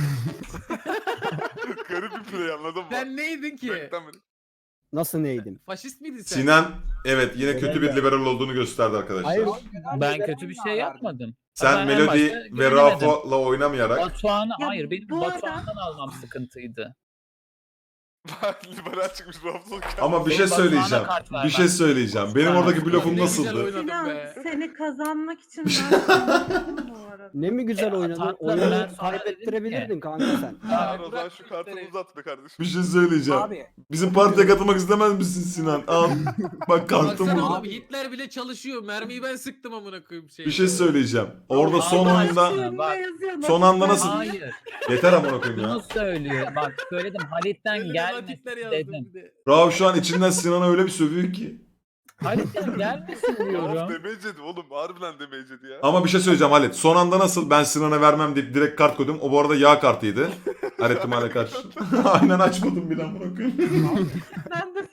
[SPEAKER 5] Garip bir play anladın mı?
[SPEAKER 7] Sen neydin ki?
[SPEAKER 5] Bekten beri.
[SPEAKER 4] Nasıl neydim?
[SPEAKER 7] Faşist miydin sen?
[SPEAKER 1] Sinan evet yine kötü bir liberal olduğunu gösterdi arkadaşlar.
[SPEAKER 4] Hayır.
[SPEAKER 2] Ben kötü bir şey yapmadım.
[SPEAKER 1] Sen
[SPEAKER 2] Ben en
[SPEAKER 1] Melodi
[SPEAKER 2] başta
[SPEAKER 1] ve
[SPEAKER 2] güvenemedim.
[SPEAKER 1] Rauf'la oynamayarak
[SPEAKER 2] Batuhan'ı
[SPEAKER 8] Ya
[SPEAKER 2] hayır benim
[SPEAKER 8] bu arada-
[SPEAKER 2] Batuhan'dan almam sıkıntıydı.
[SPEAKER 5] Bak liberal çıkmış Rauf'la.
[SPEAKER 1] ama bir şey
[SPEAKER 2] Benim Batuhan'a
[SPEAKER 1] söyleyeceğim.
[SPEAKER 2] kart ver
[SPEAKER 1] Bir
[SPEAKER 2] bak.
[SPEAKER 1] şey söyleyeceğim. Benim
[SPEAKER 2] Batuhan.
[SPEAKER 1] oradaki blöfüm
[SPEAKER 7] Ne güzel
[SPEAKER 1] nasıldı?
[SPEAKER 7] oynadın
[SPEAKER 8] Sinan
[SPEAKER 7] be.
[SPEAKER 8] seni kazanmak için ben sana bu arada.
[SPEAKER 4] Ne mi güzel
[SPEAKER 2] E,
[SPEAKER 4] oynadın?
[SPEAKER 2] tatlı, ben
[SPEAKER 4] Oyunu
[SPEAKER 2] sonra dedim
[SPEAKER 4] kaybettirebilirdin
[SPEAKER 2] ki-
[SPEAKER 4] kanka sen.
[SPEAKER 5] Çağır
[SPEAKER 7] Abi,
[SPEAKER 5] o zaman
[SPEAKER 7] bırak
[SPEAKER 5] şu
[SPEAKER 7] bu
[SPEAKER 5] kartını
[SPEAKER 7] işleri.
[SPEAKER 5] uzat be kardeşim.
[SPEAKER 1] Bir şey söyleyeceğim.
[SPEAKER 6] abi
[SPEAKER 1] Bizim partiye katılmak istemez misin Sinan? Al. Bak kartım
[SPEAKER 7] Baksana
[SPEAKER 1] burada.
[SPEAKER 7] oğlum Hitler bile çalışıyor. Mermiyi ben sıktım amına koyayım şey.
[SPEAKER 1] Bir şey söyleyeceğim. Orada son
[SPEAKER 2] Allah
[SPEAKER 1] anda
[SPEAKER 2] aşkına. bak,
[SPEAKER 1] son anda nasıl-
[SPEAKER 2] hayır.
[SPEAKER 1] yeter amına koyayım ya.
[SPEAKER 2] Bunu söylüyor. Bak söyledim Halit'ten
[SPEAKER 7] Hitler
[SPEAKER 2] gelmesin
[SPEAKER 7] yazdım
[SPEAKER 2] dedim.
[SPEAKER 7] bir de.
[SPEAKER 1] Rauf şu an içinden Sinan'a öyle bir sövüyor ki.
[SPEAKER 2] Halit'ten gelmesin
[SPEAKER 5] Rauf
[SPEAKER 2] diyorum.
[SPEAKER 5] demeyecedi oğlum. Harbiden demeyecedi ya.
[SPEAKER 1] Ama bir şey söyleyeceğim Halit. Son anda nasıl ben Sinan'a vermem deyip direkt kart koydum. O bu arada yağ kartıydı. Her ihtimale karşı. Aynen açmadım bir amına koyayım.
[SPEAKER 8] Ben de